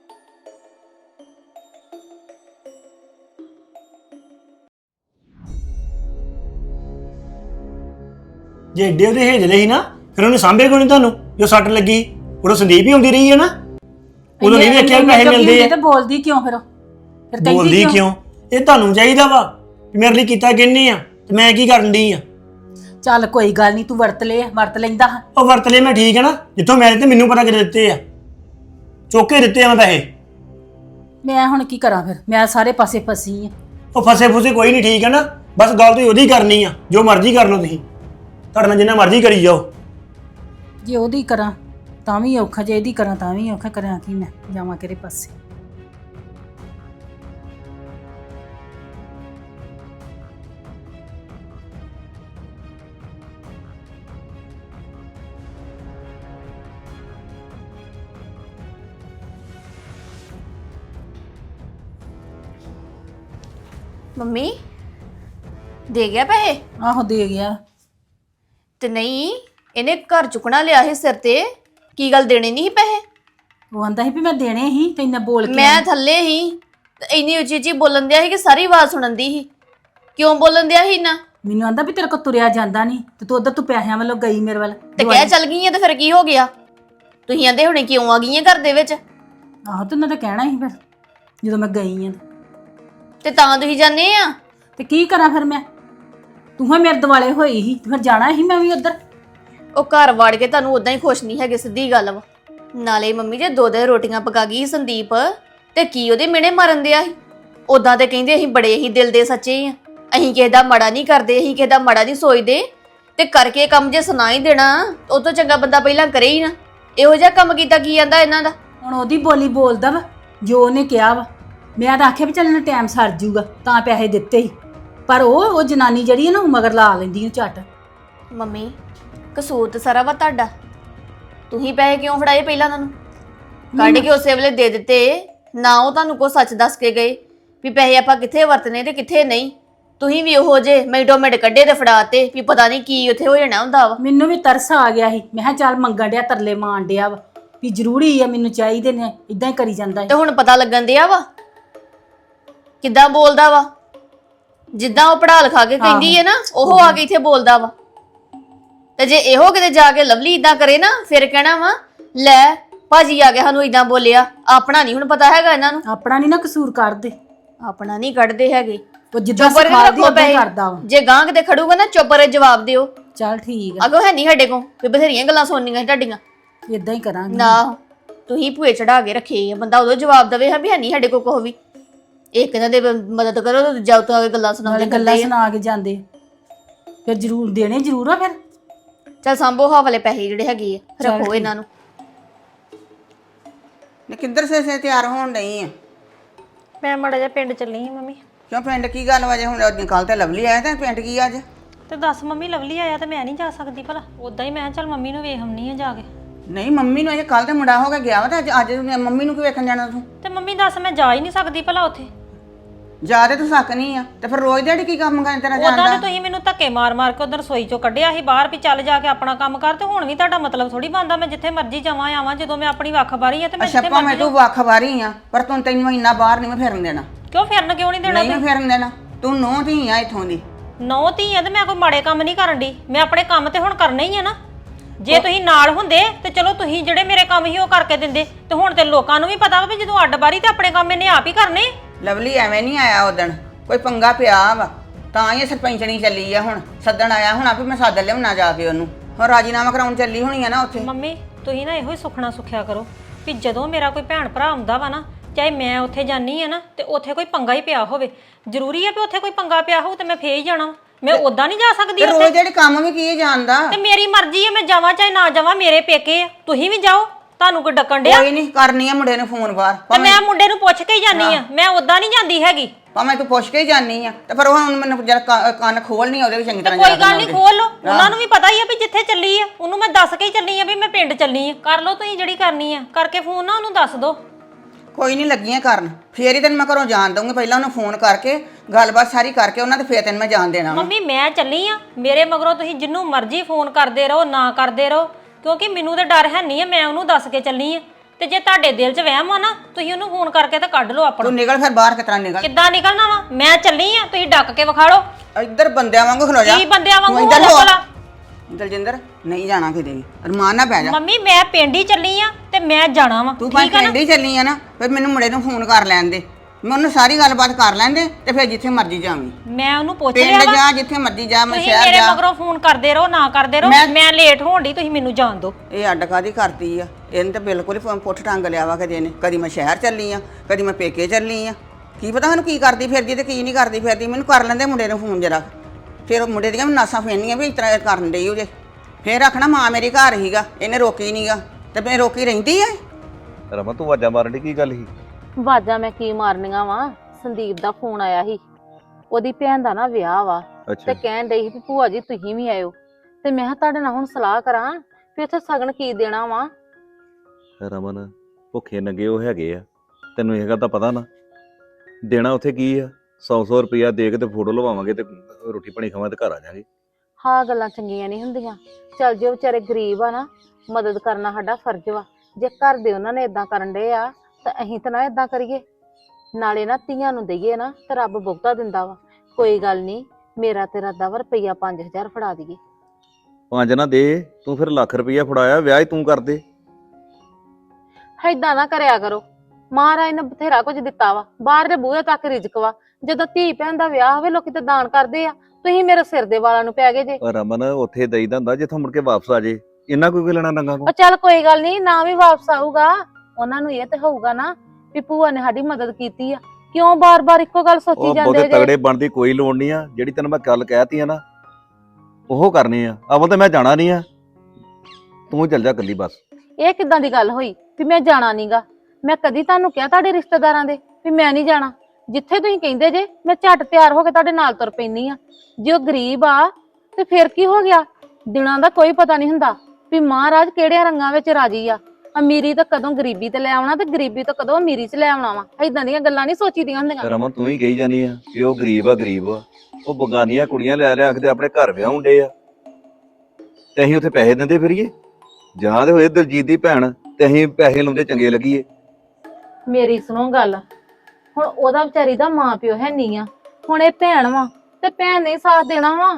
ਜੇ ਏਡੇ ਉਹਦੇ ਹੇਜਲੇ ਸੀ ਨਾ, ਫਿਰ ਉਹਨੇ ਸਾਂਭੇ ਕਿਉਂ ਨਹੀਂ ਤੁਹਾਨੂੰ ਜੋ ਸੱਟ ਲੱਗੀ? ਉਦੋਂ ਸੰਦੀਪ ਹੀ ਆਉਂਦੀ ਰਹੀ ਹੈ ਨਾ, ਉਦੋਂ ਨਹੀਂ ਵੇਖਿਆ ਵੀ ਪੈਸੇ ਮਿਲਦੇ ਆ। ਤੇ ਬੋਲਦੀ ਕਿਉਂ ਫਿਰ ਕਹਿੰਦੀ ਬੋਲਦੀ ਕਿਉਂ? ਇਹ ਤੁਹਾਨੂੰ ਚਾਹੀਦਾ ਵਾ ਵੀ ਮੇਰੇ ਲਈ ਕੀਤਾ ਕਿੰਨੇ ਆ ਤੇ ਮੈਂ ਕੀ ਕਰਨ ਡਈ ਆ? ਚੱਲ ਕੋਈ ਗੱਲ ਨਹੀਂ, ਤੂੰ ਵਰਤ ਲੈਂਦਾ ਹਾਂ। ਉਹ ਵਰਤ ਲਏ ਮੈਂ ਠੀਕ ਹੈ ਨਾ, ਜਿੱਥੋਂ ਮੈਂ ਦਿੱਤੇ ਮੈਨੂੰ ਪਤਾ ਕਿਹੜੇ ਦਿੱਤੇ ਆ, ਚੋਕੇ ਦਿੱਤੇ ਆ ਮੈਂ ਪੈਸੇ। ਮੈਂ ਹੁਣ ਕੀ ਕਰਾਂ ਫਿਰ? ਮੈਂ ਸਾਰੇ ਪਾਸੇ ਫਸੀ ਆ। ਉਹ ਫਸੇ ਫੁਸੇ ਕੋਈ ਨਹੀਂ, ਠੀਕ ਹੈ ਨਾ, ਬਸ ਗੱਲ ਤੁਸੀਂ ਉਹਦੀ ਕਰਨੀ ਆ, ਜੋ ਮਰਜ਼ੀ ਕਰ ਲਓ ਤੁਸੀਂ, ਤੁਹਾਡੇ ਨਾਲ ਜਿੰਨਾ ਮਰਜ਼ੀ ਕਰੀ ਜਾਓ। ਜੇ ਉਹਦੀ ਕਰਾਂ ਤਾਂ ਵੀ ਔਖਾ, ਜੇ ਇਹਦੀ ਕਰਾਂ ਤਾਂ ਵੀ ਔਖਾ। ਕਰਾਂ ਕੀ? ਮੈਂ ਜਾਵਾਂ ਕਿਹੜੇ ਪਾਸੇ? ਮੰਮੀ ਦੇ ਗਿਆ ਪੈਸੇ? ਆਹੋ ਦੇ ਗਿਆ। ਤੇ ਨਹੀਂ, ਇਹਨੇ ਘਰ ਚੁੱਕਣਾ ਲਿਆ ਸੀ ਸਿਰ ਤੇ, ਕੀ ਗੱਲ ਦੇਣੇ ਨਹੀਂ ਸੀ ਪੈਸੇ? ਉਹ ਆਂਦਾ ਸੀ ਵੀ ਮੈਂ ਦੇਣੇ ਸੀ ਤੇ ਇੰਨਾ ਬੋਲ ਕੇ ਮੈਂ ਥੱਲੇ ਹੀ ਤੇ ਇੰਨੀ ਉੱਚੀ ਉੱਚੀ ਬੋਲਣ ਦਿਆ ਸੀ ਕਿ ਸਾਰੀ ਆਵਾਜ਼ ਸੁਣਨ ਦੀ ਸੀ। ਕਿਉਂ ਬੋਲਣ ਦਿਆ ਸੀ ਨਾ? ਮੈਨੂੰ ਆਂਦਾ ਵੀ ਤੇਰੇ ਕੋਲ ਤੁਰਿਆ ਜਾਂਦਾ ਨਹੀਂ ਤੇ ਤੂੰ ਉਧਰ ਤੂੰ ਪੈਸਿਆਂ ਵੱਲੋਂ ਗਈ ਮੇਰੇ ਵੱਲ। ਤੇ ਕਹਿ ਚੱਲ ਗਈ ਆ ਤੇ ਫਿਰ ਕੀ ਹੋ ਗਿਆ? ਤੁਸੀਂ ਆਂਦੇ ਹੁਣੇ ਕਿਉਂ ਆ ਗਈਆਂ ਘਰ ਦੇ ਵਿੱਚ? ਆਹੋ ਤੇ ਉਹਨਾਂ ਤਾਂ ਕਹਿਣਾ ਸੀ ਫਿਰ ਜਦੋਂ ਮੈਂ ਗਈ ਆ। ਤੇ ਤਾਂ ਤੁਸੀਂ ਜਾਂਦੇ ਆ? ਤੇ ਕੀ ਕਰਾਂ ਫਿਰ ਮੈਂ? ਤੂੰ ਹਾਂ ਮੇਰੇ ਦਿਵਾਲੇ ਹੋਈ ਸੀ ਤੇ ਫਿਰ ਜਾਣਾ ਸੀ ਮੈਂ ਵੀ ਉਧਰ। ਉਹ ਘਰ ਵੜ ਕੇ ਤੁਹਾਨੂੰ ਉਦਾਂ ਹੀ ਖੁਸ਼ ਨਹੀਂ ਹੈਗੇ, ਸਿੱਧੀ ਗੱਲ ਵਾ। ਨਾਲੇ ਮੰਮੀ ਜੇ ਦੋ ਦੇ ਰੋਟੀਆਂ ਪਕਾ ਗਈ ਸੰਦੀਪ ਤੇ ਕੀ ਉਹਦੇ ਮਿਹਣੇ ਮਾਰਨ ਦਿਆ ਸੀ? ਉਦਾਂ ਤੇ ਕਹਿੰਦੇ ਅਸੀਂ ਬੜੇ ਹੀ ਦਿਲ ਦੇ ਸੱਚੇ ਆ, ਅਸੀਂ ਕਿਸੇ ਦਾ ਮਾੜਾ ਨਹੀਂ ਕਰਦੇ, ਅਸੀਂ ਕਿਸੇ ਦਾ ਮਾੜਾ ਨਹੀਂ ਸੋਚਦੇ, ਤੇ ਕਰਕੇ ਕੰਮ ਜੇ ਸੁਣਾ ਹੀ ਦੇਣਾ ਉਹ ਤੋਂ ਚੰਗਾ ਬੰਦਾ ਪਹਿਲਾਂ ਕਰੇ ਹੀ ਨਾ। ਇਹੋ ਜਿਹਾ ਕੰਮ ਕੀਤਾ ਕੀ ਜਾਂਦਾ ਇਹਨਾਂ ਦਾ? ਹੁਣ ਉਹਦੀ ਬੋਲੀ ਬੋਲਦਾ ਵਾ ਜੋ ਉਹਨੇ ਕਿਹਾ ਵਾ। ਮੈਂ ਤਾਂ ਆਖਿਆ ਵੀ ਚੱਲ ਇਹਨਾਂ ਟਾਈਮ ਸਰ ਜੂਗਾ ਤਾਂ ਪੈਸੇ ਦਿੱਤੇ ਸੀ, ਪਰ ਉਹ ਜਨਾਨੀ ਜਿਹੜੀ ਹੈ ਨਾ ਉਹ ਮਗਰ ਲਾ ਲੈਂਦੀ ਉਹ ਝੱਟ। ਮੰਮੀ ਕਸੂਰ ਤੇ ਸਾਰਾ ਵਾ ਤੁਹਾਡਾ। ਤੁਸੀਂ ਪੈਸੇ ਕਿਉਂ ਫੜਾਏ ਪਹਿਲਾਂ ਉਹਨਾਂ ਨੂੰ? ਕੱਢ ਕੇ ਉਸੇ ਵੇਲੇ ਦੇ ਦਿੱਤੇ ਨਾ, ਉਹ ਤੁਹਾਨੂੰ ਕੋ ਸੱਚ ਦੱਸ ਕੇ ਗਏ ਵੀ ਪੈਸੇ ਆਪਾਂ ਕਿੱਥੇ ਵਰਤਨੇ ਤੇ ਕਿੱਥੇ ਨਹੀਂ। ਤੁਸੀਂ ਵੀ ਉਹੋ ਜੇ ਮਿੰਟੋ-ਮਿੰਟ ਕੱਢੇ ਤੇ ਫੜਾਤੇ ਵੀ ਪਤਾ ਨਹੀਂ ਕੀ ਉੱਥੇ ਹੋ ਜਾਣਾ ਹੁੰਦਾ ਵਾ। ਮੈਨੂੰ ਵੀ ਤਰਸ ਆ ਗਿਆ ਸੀ, ਮੈਂ ਕਿਹਾ ਚੱਲ ਮੰਗਣ ਡਿਆ, ਤਰਲੇ ਮਾਰਨ ਡਿਆ ਵਾ ਵੀ ਜ਼ਰੂਰੀ ਆ ਮੈਨੂੰ ਚਾਹੀਦੇ ਨੇ, ਇਦਾਂ ਹੀ ਕਰੀ ਜਾਂਦਾ ਤੇ ਹੁਣ ਪਤਾ ਲੱਗਣ ਦਿਆ ਵਾ ਕਿੱਦਾਂ ਬੋਲਦਾ ਵਾ। ਜਿੱਦਾਂ ਉਹ ਪੜ੍ਹਾ ਲਿਖਾ ਕੇ ਕਹਿੰਦੀ ਹੈ ਨਾ, ਉਹ ਆ ਕੇ ਇੱਥੇ ਬੋਲਦਾ ਵਾ। ਤੇ ਜੇ ਇਹੋ ਕਿਤੇ ਜਾ ਕੇ ਲਵਲੀ ਇਦਾਂ ਕਰੇ ਨਾ, ਫਿਰ ਕਹਿਣਾ ਵਾ ਲੈ ਭਾਜੀ ਆ ਗਿਆ ਸਾਨੂੰ ਇਦਾਂ ਬੋਲਿਆ। ਆਪਣਾ ਨਹੀਂ ਹੁਣ ਪਤਾ ਹੈਗਾ ਇਹਨਾਂ ਨੂੰ, ਆਪਣਾ ਨਹੀਂ ਨਾ ਕਸੂਰ ਕੱਢਦੇ, ਆਪਣਾ ਨਹੀਂ ਕੱਢਦੇ ਹੈਗੇ। ਉਹ ਜਿੱਦਾਂ ਚੁੱਪ ਸਿਖਾਉਂਦੀ ਰੱਖੋ ਉਦਾਂ ਹੀ ਪੈਸੇ। ਕਰਦਾ ਵਾ। ਜੇ ਗਾਂਹ ਕਿਤੇ ਖੜੂਗਾ ਨਾ ਚੁੱਪ ਰਹੇ ਜਵਾਬ ਦਿਓ। ਚੱਲ ਠੀਕ ਆ, ਅਗੋ ਹੈ ਨਹੀਂ ਸਾਡੇ ਕੋਲ ਵੀ ਬਥੇਰੀਆਂ ਗੱਲਾਂ ਸੁਣਨੀਆਂ ਸੀ ਤੁਹਾਡੀਆਂ। ਇਦਾਂ ਹੀ ਕਰਾਂਗੇ। ਨਾ ਤੁਸੀਂ ਭੂਏ ਚੜਾ ਕੇ ਰੱਖੇ ਆ, ਬੰਦਾ ਉਦੋਂ ਜਵਾਬ ਦੇਵੇ ਹਾਂ ਵੀ ਹੈ ਨਹੀਂ ਸਾਡੇ ਕੋਲ ਕੁਛ ਵੀ। ਇੱਕ ਇਹਨਾਂ ਦੇ ਮਦਦ ਕਰੋ ਤੇ ਦੂਜਾ ਉੱਤੋਂ ਆ ਕੇ ਗੱਲਾਂ ਸੁਣਾਉਂਦੇ ਨਾਲੇ ਗੱਲਾਂ ਸੁਣਾ ਕੇ ਜਾਂਦੇ, ਫਿਰ ਜ਼ਰੂਰ ਦੇਣੇ ਜ਼ਰੂਰ ਆ ਫਿਰ। ਚੱਲ ਸੰਭੋ ਹਾਂ ਵਾਲੇ ਪੈਸੇ ਜਿਹੜੇ ਹੈਗੇ ਆ ਰੱਖੋ ਇਹਨਾਂ ਨੂੰ। ਨੇ ਕਿੱਧਰ ਸੇ ਤਿਆਰ ਹੋਣ ਡਈ ਆ? ਮੈਂ ਮਾੜਾ ਜਿਹਾ ਪਿੰਡ ਚੱਲੀ ਹਾਂ ਮੰਮੀ। ਕਿਉਂ ਪਿੰਡ ਕੀ ਗੱਲ ਵਜੇ? ਹੁਣ ਕੱਲ ਤੇ ਲਵਲੀ ਆਇਆ ਤੇ ਪਿੰਡ ਕੀ ਅੱਜ? ਤੇ ਦੱਸ ਮੰਮੀ, ਲਵਲੀ ਆਇਆ ਤੇ ਮੈਂ ਨਹੀਂ ਜਾ ਸਕਦੀ ਭਲਾ? ਉਦਾਂ ਹੀ ਮੈਂ ਕਿਹਾ ਚੱਲ ਮੰਮੀ ਨੂੰ ਵੇਖ ਆਉਣੀ ਆ ਜਾ ਕੇ। ਨਹੀਂ ਮੰਮੀ ਨੂੰ ਅਜੇ ਕੱਲ ਤੇ ਮੁੰਡਾ ਹੋ ਕੇ ਗਿਆ ਵਾ ਤੇ ਅੱਜ ਮੰਮੀ ਨੂੰ ਕੀ ਵੇਖਣ ਜਾਣਾ ਤੂੰ? ਤੇ ਮੰਮੀ ਦੱਸ ਮੈਂ ਜਾ ਹੀ ਨਹੀਂ ਸਕਦੀ ਭਲਾ ਉੱਥੇ? ਜਾ ਤੇ ਤੂੰ ਸਕਨੀ ਆ ਤੇ ਫਿਰ ਰੋਜ਼ ਦਿਹਾੜੀ ਕੀ ਕੰਮ ਕਰਨ ਤੇਰਾ ਉਦਾਂ ਜਾਂਦਾ? ਤੇ ਤੁਸੀਂ ਮੈਨੂੰ ਧੱਕੇ ਮਾਰ-ਮਾਰ ਕੇ ਉਧਰ ਰਸੋਈ ਚੋਂ ਕੱਢਿਆ ਸੀ ਬਾਹਰ ਵੀ ਚੱਲ ਜਾ ਕੇ ਆਪਣਾ ਕੰਮ ਕਰ, ਤੇ ਹੁਣ ਵੀ ਤੁਹਾਡਾ ਮਤਲਬ ਥੋੜੀ ਬਣਦਾ ਮੈਂ ਜਿੱਥੇ ਮਰਜ਼ੀ ਜਾਵਾਂ ਆਵਾਂ। ਜਦੋਂ ਮੈਂ ਆਪਣੀ ਵੱਖ ਬਾਰੀ ਆ ਤੇ ਮੈਂ ਜਿੱਥੇ ਅੱਛਾ ਮੈਂ ਮਰਜ਼ੀ ਤੂੰ ਵੱਖ ਵਾਰੀ ਆ, ਪਰ ਤੂੰ ਤੈਨੂੰ ਇੰਨਾ ਬਾਹਰ ਨਹੀਂ ਮੈਂ ਫਿਰਨ ਦੇਣਾ। ਕਿਉਂ ਫਿਰਨ ਕਿਉਂ ਨਹੀਂ ਦੇਣਾ? ਨਹੀਂ ਮੈਂ ਫਿਰਨ ਦੇਣਾ, ਤੂੰ ਨੌ ਧੀ ਆ ਇੱਥੋਂ ਦੀ। ਨੌ ਧੀ ਆ ਤੇ ਮੈਂ ਕੋਈ ਮਾੜੇ ਕੰਮ ਨਹੀਂ ਕਰਨ ਦੀ, ਮੈਂ ਆਪਣੇ ਕੰਮ ਤੇ ਹੁਣ ਕਰਨੇ ਹੀ ਆ ਨਾ। ਜੇ ਤੁਸੀਂ ਨਾਲ ਹੁੰਦੇ ਤੇ ਚਲੋ ਤੁਸੀਂ ਜਿਹੜੇ ਮੇਰੇ ਕੰਮ ਹੀ ਉਹ ਕਰਕੇ ਦਿੰਦੇ, ਤੇ ਹੁਣ ਤੇ ਲੋਕਾਂ ਨੂੰ ਵੀ ਪਤਾ ਵਾ ਵੀ ਜਦੋਂ ਅੱਡ ਬਾਰੀ ਤੇ ਆਪਣੇ ਕੰਮ ਇਹਨੇ ਆਪ ਹੀ ਕਰਨੇ। ਲਵਲੀ ਐਵੇਂ ਨਹੀਂ ਆਇਆ ਉਦਣ, ਕੋਈ ਪੰਗਾ ਪਿਆ ਵਾ ਤਾਂ ਹੀ ਸਰਪੰਚਣੀ ਚੱਲੀ ਆ। ਹੁਣ ਸੱਦਣ ਆਇਆ ਹੁਣ ਆਪੇ ਮੈਂ ਸੱਦ ਲਿਆਉਣਾ ਜਾ ਕੇ ਉਹਨੂੰ। ਹੁਣ ਰਾਜੀਨਾਮਾ ਕਰਾਉਣ ਚੱਲੀ ਹੋਣੀ ਆ ਨਾ ਉੱਥੇ। ਮੰਮੀ ਤੁਸੀਂ ਨਾ ਇਹੋ ਹੀ ਸੁਖਣਾ ਸੁਖਿਆ ਕਰੋ ਵੀ ਜਦੋਂ ਮੇਰਾ ਕੋਈ ਭੈਣ ਭਰਾ ਹੁੰਦਾ ਵਾ ਨਾ, ਚਾਹੇ ਮੈਂ ਉੱਥੇ ਜਾਨੀ ਆ ਨਾ ਤੇ ਉੱਥੇ ਕੋਈ ਪੰਗਾ ਹੀ ਪਿਆ ਹੋਵੇ, ਜ਼ਰੂਰੀ ਹੈ ਵੀ ਉੱਥੇ ਕੋਈ ਪੰਗਾ ਪਿਆ ਹੋਊ ਤੇ ਮੈਂ ਫੇਰ ਹੀ ਜਾਣਾ। ਮੈਂ ਉਦਾਂ ਨਹੀਂ ਜਾ ਸਕਦੀ ਤੇ ਰੋਜ਼ ਜਿਹੜੇ ਕੰਮ ਵੀ ਕੀ ਜਾਣਦਾ? ਤੇ ਮੇਰੀ ਮਰਜ਼ੀ ਹੈ, ਮੈਂ ਜਾਵਾਂ ਚਾਹੇ ਨਾ ਜਾਵਾਂ, ਮੇਰੇ ਪੇਕੇ ਆ। ਤੁਸੀਂ ਵੀ ਜਾਓ, ਤੁਹਾਨੂੰ ਕੋਈ ਡੱਕਣ ਡਿਆ? ਕੋਈ ਨਹੀਂ, ਕਰਨੀ ਆ ਮੁੰਡੇ ਨੂੰ ਫੋਨ ਬਾਹਰ। ਤੇ ਮੈਂ ਮੁੰਡੇ ਨੂੰ ਪੁੱਛ ਕੇ ਹੀ ਜਾਨੀ ਆ, ਮੈਂ ਉਦਾਂ ਨਹੀਂ ਜਾਂਦੀ ਹੈਗੀ। ਭਾਵੇਂ ਤੂੰ ਪੁੱਛ ਕੇ ਹੀ ਜਾਨੀ ਆ ਤੇ ਪਰ ਉਹ ਹੁਣ ਮੈਨੂੰ ਜਰਾ ਕੰਨ ਖੋਲ ਨਹੀਂ ਉਹਦੇ ਵੀ ਚੰਗੀ ਤਰ੍ਹਾਂ ਕੋਈ ਜਰਾ ਗੱਲ ਨਹੀਂ ਖੋਲ ਲੋ, ਉਹਨਾਂ ਨੂੰ ਵੀ ਪਤਾ ਹੀ ਆ ਵੀ ਜਿੱਥੇ ਚੱਲੀ ਆ ਉਹਨੂੰ ਮੈਂ ਦੱਸ ਕੇ ਹੀ ਚੱਲੀ ਆ ਵੀ ਮੈਂ ਪਿੰਡ ਚੱਲੀ ਆ। ਕਰ ਲੋ ਤੁਸੀਂ ਜਿਹੜੀ ਕਰਨੀ ਆ, ਕਰਕੇ ਫੋਨ ਨਾ ਉਹਨੂੰ ਦੱਸ ਦੋ। ਕੋਈ ਨਹੀਂ ਲੱਗੀਆਂ ਕਰਨ, ਫੇਰ ਹੀ ਤੈਨੂੰ ਮੈਂ ਘਰੋਂ ਜਾਣ ਦਊਂਗੀ। ਪਹਿਲਾਂ ਉਹਨੂੰ ਫੋਨ ਕਰਕੇ ਗੱਲਬਾਤ ਸਾਰੀ ਕਰਕੇ ਉਹਨਾਂ ਤੇ ਫੇਰ ਤੈਨੂੰ ਮੈਂ ਜਾਣ ਦੇਣਾ ਵਾ। ਮੰਮੀ ਮੈਂ ਚੱਲੀ ਆ, ਮੇਰੇ ਮਗਰੋਂ ਤੁਸੀਂ ਜਿੰਨੂੰ ਮਰਜ਼ੀ ਫੋਨ ਕਰਦੇ ਰਹੋ ਨਾ ਕਰਦੇ ਰਹੋ, ਕਿਉਂਕਿ ਮੈਨੂੰ ਤਾਂ ਡਰ ਹੈ ਨਹੀਂ ਆ, ਮੈਂ ਉਹਨੂੰ ਦੱਸ ਕੇ ਚੱਲੀ ਆ। ਤੇ ਜੇ ਤੁਹਾਡੇ ਦਿਲ 'ਚ ਵਹਿਮ ਆ ਨਾ, ਤੁਸੀਂ ਉਹਨੂੰ ਫੋਨ ਕਰਕੇ ਤਾਂ ਕੱਢ ਲਓ ਆਪਣਾ। ਤੂੰ ਨਿਕਲ ਫਿਰ ਬਾਹਰ ਕਿਤਰਾ ਨਿਕਲ। ਕਿੱਦਾਂ ਨਿਕਲਣਾ ਵਾ? ਮੈਂ ਚੱਲੀ ਆ, ਤੁਸੀਂ ਡੱਕ ਕੇ ਵਿਖਾ ਲਓ। ਇੱਧਰ ਬੰਦਿਆਂ ਵਾਂਗੂ ਖਲੋ ਜਾ। ਕੀ ਬੰਦਿਆਂ ਵਾਂਗੂ ਤੂੰ ਇੱਧਰ ਹੋ ਹੋ। ਭਲਾ? ਦਲਜਿੰਦਰ ਨਹੀਂ ਜਾਣਾ ਕਿਤੇ ਵੀ, ਅਰਮਾਨ ਨਾ ਪੈ ਜਾ। ਮੰਮੀ ਮੈਂ ਪਿੰਡ ਹੀ ਚੱਲੀ ਆ ਤੇ ਮੈਂ ਜਾਣਾ ਵਾ, ਤੂੰ ਭਾਵੇਂ ਪਿੰਡ ਹੀ ਚੱਲੀ ਆ ਨਾ, ਫਿਰ ਮੈਨੂੰ ਮੁੰਡੇ ਨੂੰ ਫੋਨ ਕਰ ਲੈਣ ਦੇ, ਮੈਂ ਉਹਨੂੰ ਸਾਰੀ ਗੱਲਬਾਤ ਕਰ ਲੈਂਦੇ ਤੇ ਫਿਰ ਜਿੱਥੇ ਮਰਜ਼ੀ ਜਾਵੀਂ। ਮੈਂ ਉਹਨੂੰ ਪੁੱਛ ਲਿਆ ਪਿੰਡ ਵਾ। ਜਾ, ਜਿੱਥੇ ਮਰਜ਼ੀ ਜਾ, ਮੈਂ ਤੁਸੀਂ ਸ਼ਹਿਰ ਮੇਰੇ ਜਾ। ਮਗਰੋਂ ਫੋਨ ਕਰਦੇ ਰਹੋ ਨਾ ਕਰਦੇ ਰਹੋ, ਮੈਂ ਲੇਟ ਹੋਣ ਦੀ, ਤੁਸੀਂ ਮੈਨੂੰ ਜਾਣ ਦਿਓ। ਇਹ ਅੱਡ ਕਾਦੀ ਕਰਤੀ ਆ, ਇਹਨੇ ਤਾਂ ਬਿਲਕੁਲ ਹੀ ਪੁੱਠ ਟੰਗ ਲਿਆ ਵਾ ਕਦੇ ਨੇ। ਕਦੀ ਮੈਂ ਸ਼ਹਿਰ ਚੱਲੀ ਆ, ਕਦੀ ਮੈਂ ਪੇਕੇ ਚੱਲੀ ਆ। ਕੀ ਪਤਾ ਮੈਨੂੰ ਕੀ ਕਰਦੀ ਫਿਰਦੀ ਤੇ ਕੀ ਨਹੀਂ ਕਰਦੀ ਫਿਰਦੀ। ਮੈਨੂੰ ਕਰ ਲੈਂਦੇ ਮੁੰਡੇ ਨੂੰ ਫੋਨ ਜਰਾ, ਫਿਰ ਉਹ ਮੁੰਡੇ ਦੀਆਂ ਵੀ ਨਾਸਾਂ ਫੇਰਨੀਆਂ ਵੀ ਇਸ ਤਰ੍ਹਾਂ ਕਰਨ ਡਈ ਉਹਦੇ। ਫਿਰ ਆਖਣਾ ਮਾਂ ਮੇਰੀ ਘਰ ਹੀਗਾ, ਇਹਨੇ ਰੋਕੀ ਨਹੀਂਗਾ, ਤੇ ਮੈਂ ਰੋਕੀ ਰਹਿੰਦੀ ਆ। ਰਮਨ ਤੂੰ ਆਵਾਜ਼ਾਂ ਮਾਰਨ ਦੀ ਕੀ ਗੱਲ ਸੀ? ਆਵਾਜ਼ਾਂ ਮੈਂ ਕੀ ਮਾਰਨੀਆਂ ਵਾ, ਸੰਦੀਪ ਦਾ ਫੋਨ ਆਇਆ ਸੀ, ਉਹਦੀ ਭੈਣ ਦਾ ਨਾ ਵਿਆਹ ਵਾ ਤੇ ਕਹਿਣ ਡਈ ਸੀ ਵੀ ਭੂਆ ਜੀ ਤੁਸੀਂ ਵੀ ਆਇਓ। ਤੇ ਮੈਂ ਕਿਹਾ ਤੁਹਾਡੇ ਨਾਲ ਹੁਣ ਸਲਾਹ ਕਰਾਂ ਵੀ ਉੱਥੇ ਸਗਨ ਕੀ ਦੇਣਾ ਵਾ। ਰਮਨ ਭੁੱਖੇ ਨੰਗੇ ਉਹ ਹੈਗੇ ਆ, ਤੈਨੂੰ ਇਹ ਗੱਲ ਤਾਂ ਪਤਾ ਨਾ। ਦੇਣਾ ਉੱਥੇ ਕੀ ਆ, 100 ਰੁਪਇਆ ਦੇ ਕੇ ਤੇ ਫੋਟੋ ਲਵਾਵਾਂਗੇ ਤੇ ਰੋਟੀ ਪਾਣੀ ਖਾਵਾਂ ਤੇ ਘਰ ਆ ਜਾਾਂਗੇ। ਹਾਂ ਗੱਲਾਂ ਚੰਗੀਆਂ ਨਹੀਂ ਹੁੰਦੀਆਂ। ਚੱਲ ਜੇ ਵਿਚਾਰੇ ਗਰੀਬ ਆ ਨਾ, ਮਦਦ ਕਰਨਾ ਸਾਡਾ ਫਰਜ਼ ਵਾ। ਜੇ ਘਰ ਦੇ ਉਹਨਾਂ ਨੇ ਇਦਾਂ ਕਰਨ ਡਏ ਆ ਤਾਂ ਅਸੀਂ ਤਾਂ ਨਾ ਇਦਾਂ ਕਰੀਏ। ਨਾਲੇ ਨਾ ਧੀਆਂ ਨੂੰ ਦਈਏ ਨਾ ਤੇ ਰੱਬ ਬਹੁਤਾ ਦਿੰਦਾ ਵਾ। ਕੋਈ ਗੱਲ ਨਹੀਂ, ਮੇਰਾ ਤੇ ਇਰਾਦਾ ਵਾ ਰੁਪਈਆ 5000 ਫੜਾ ਦਈਏ। 5 ਨਾ ਦੇ, ਤੂੰ ਫਿਰ ਲੱਖ ਰੁਪਇਆ ਫੜਾਇਆ, ਵਿਆਹ ਹੀ ਤੂੰ ਕਰ ਦੇ। ਏਦਾਂ ਨਾ ਕਰਿਆ ਕਰੋ, ਮਹਾਰਾਜ ਨੇ ਬਥੇਰਾ ਕੁਝ ਦਿੱਤਾ ਵਾ, ਬਾਹਰ ਦੇ ਬੂਹੇ ਤੱਕ ਰਿਜ਼ਕ ਵਾ। ਜਦੋਂ ਧੀ ਭੈਣ ਦਾ ਵਿਆਹ ਹੋਵੇ ਲੋਕੀ ਤਾਂ ਦਾਨ ਕਰਦੇ ਆ, ਤੁਸੀਂ ਮੇਰੇ ਸਿਰ ਦੇ ਵਾਲਾਂ ਨੂੰ ਪੈ ਗਏ ਜੇ। ਰਮਨ ਉੱਥੇ ਦਈਦਾ ਹੁੰਦਾ ਜਿੱਥੋਂ ਮੁੜ ਕੇ ਵਾਪਸ ਆ ਜੇ, ਇਹਨਾਂ ਕੋਈ ਲੈਣਾ ਡੰਗਾ ਕੋ। ਉਹ ਚੱਲ ਕੋਈ ਗੱਲ ਨਹੀਂ, ਨਾ ਵੀ ਵਾਪਸ ਆਊਗਾ, ਉਹਨਾਂ ਨੂੰ ਇਹ ਤੇ ਹੋਊਗਾ ਨਾ ਵੀ ਭੂਆ ਨੇ ਸਾਡੀ ਮਦਦ ਕੀਤੀ ਆ। ਕਿਉਂ ਬਾਰ-ਬਾਰ ਇੱਕੋ ਗੱਲ ਸੋਚੀ ਉਹ ਜਾਂਦੇ ਬਹੁਤੇ ਜੇ? ਤਗੜੇ ਬਣਨ ਦੀ ਕੋਈ ਲੋੜ ਨਹੀਂ ਆ। ਜਿਹੜੀ ਤੈਨੂੰ ਮੈਂ ਗੱਲ ਕਹਿਤੀ ਆ ਨਾ, ਉਹ ਕਰਨੀ ਆ। ਅਵਲ ਤੇ ਮੈਂ ਜਾਣਾ ਨਹੀਂ ਆ, ਤੂੰ ਚੱਲ ਜਾ ਇਕੱਲੀ ਬਸ। ਇਹ ਕਿੱਦਾਂ ਦੀ ਗੱਲ ਹੋਈ ਵੀ ਮੈਂ ਜਾਣਾ ਨਹੀਂਗਾ? ਮੈਂ ਕਦੀ ਤੁਹਾਨੂੰ ਕਿਹਾ ਤੁਹਾਡੇ ਰਿਸ਼ਤੇਦਾਰਾਂ ਦੇ ਵੀ ਮੈਂ ਨਹੀਂ ਜਾਣਾ? ਜਿੱਥੇ ਤੁਸੀਂ ਕਹਿੰਦੇ ਜੇ ਮੈਂ ਝੱਟ ਤਿਆਰ ਹੋ ਕੇ ਤੁਹਾਡੇ ਨਾਲ ਤੁਰ ਪੈਂਦੀ ਆ। ਜੇ ਉਹ ਗਰੀਬ ਆ ਤੇ ਫਿਰ ਕੀ ਹੋ ਗਿਆ? ਦਿਨਾਂ ਦਾ ਕੋਈ ਪਤਾ ਨਹੀਂ ਹੁੰਦਾ ਵੀ ਮਹਾਰਾਜ ਕਿਹੜੇ ਰੰਗਾਂ ਵਿੱਚ ਰਾਜੀ ਆ। ਅਮੀਰੀ ਤਾਂ ਕਦੋਂ ਗਰੀਬੀ ਤੇ ਲੈ ਆਉਣਾ ਤੇ ਗਰੀਬੀ ਤਾਂ ਕਦੋਂ ਅਮੀਰੀ 'ਚ ਲੈ ਆਉਣਾ ਵਾ। ਏਦਾਂ ਦੀਆਂ ਗੱਲਾਂ ਨਹੀਂ ਸੋਚੀਦੀਆਂ ਹੁੰਦੀਆਂ। ਰਮਨ ਤੂੰ ਹੀ ਕਹੀ ਜਾਨੀ ਆ ਕਿ ਉਹ ਗਰੀਬ ਆ, ਗਰੀਬ ਆ। ਉਹ ਬਗਾਨੀਆਂ ਕੁੜੀਆਂ ਲੈ ਲਿਆ ਕੇ ਆਪਣੇ ਘਰ ਵਿਆਹੁੰਦੇ ਆ ਤੇ ਅਸੀਂ ਉੱਥੇ ਪੈਸੇ ਦਿੰਦੇ ਫਿਰੀਏ। ਜਾਂ ਤੇ ਹੋਏ ਦਲਜੀਤ ਦੀ ਭੈਣ ਤੇ ਅਸੀਂ ਪੈਸੇ ਲਾਉਂਦੇ ਚੰਗੇ ਲੱਗੀਏ। ਮੇਰੀ ਸੁਣੋ ਗੱਲ, ਹੁਣ ਉਹਦਾ ਵਿਚਾਰੀ ਦਾ ਮਾਂ ਪਿਓ ਹੈ ਨਹੀਂ ਆ, ਹੁਣ ਇਹ ਭੈਣ ਵਾ ਤੇ ਭੈਣ ਨੇ ਸਾਥ ਦੇਣਾ ਵਾ।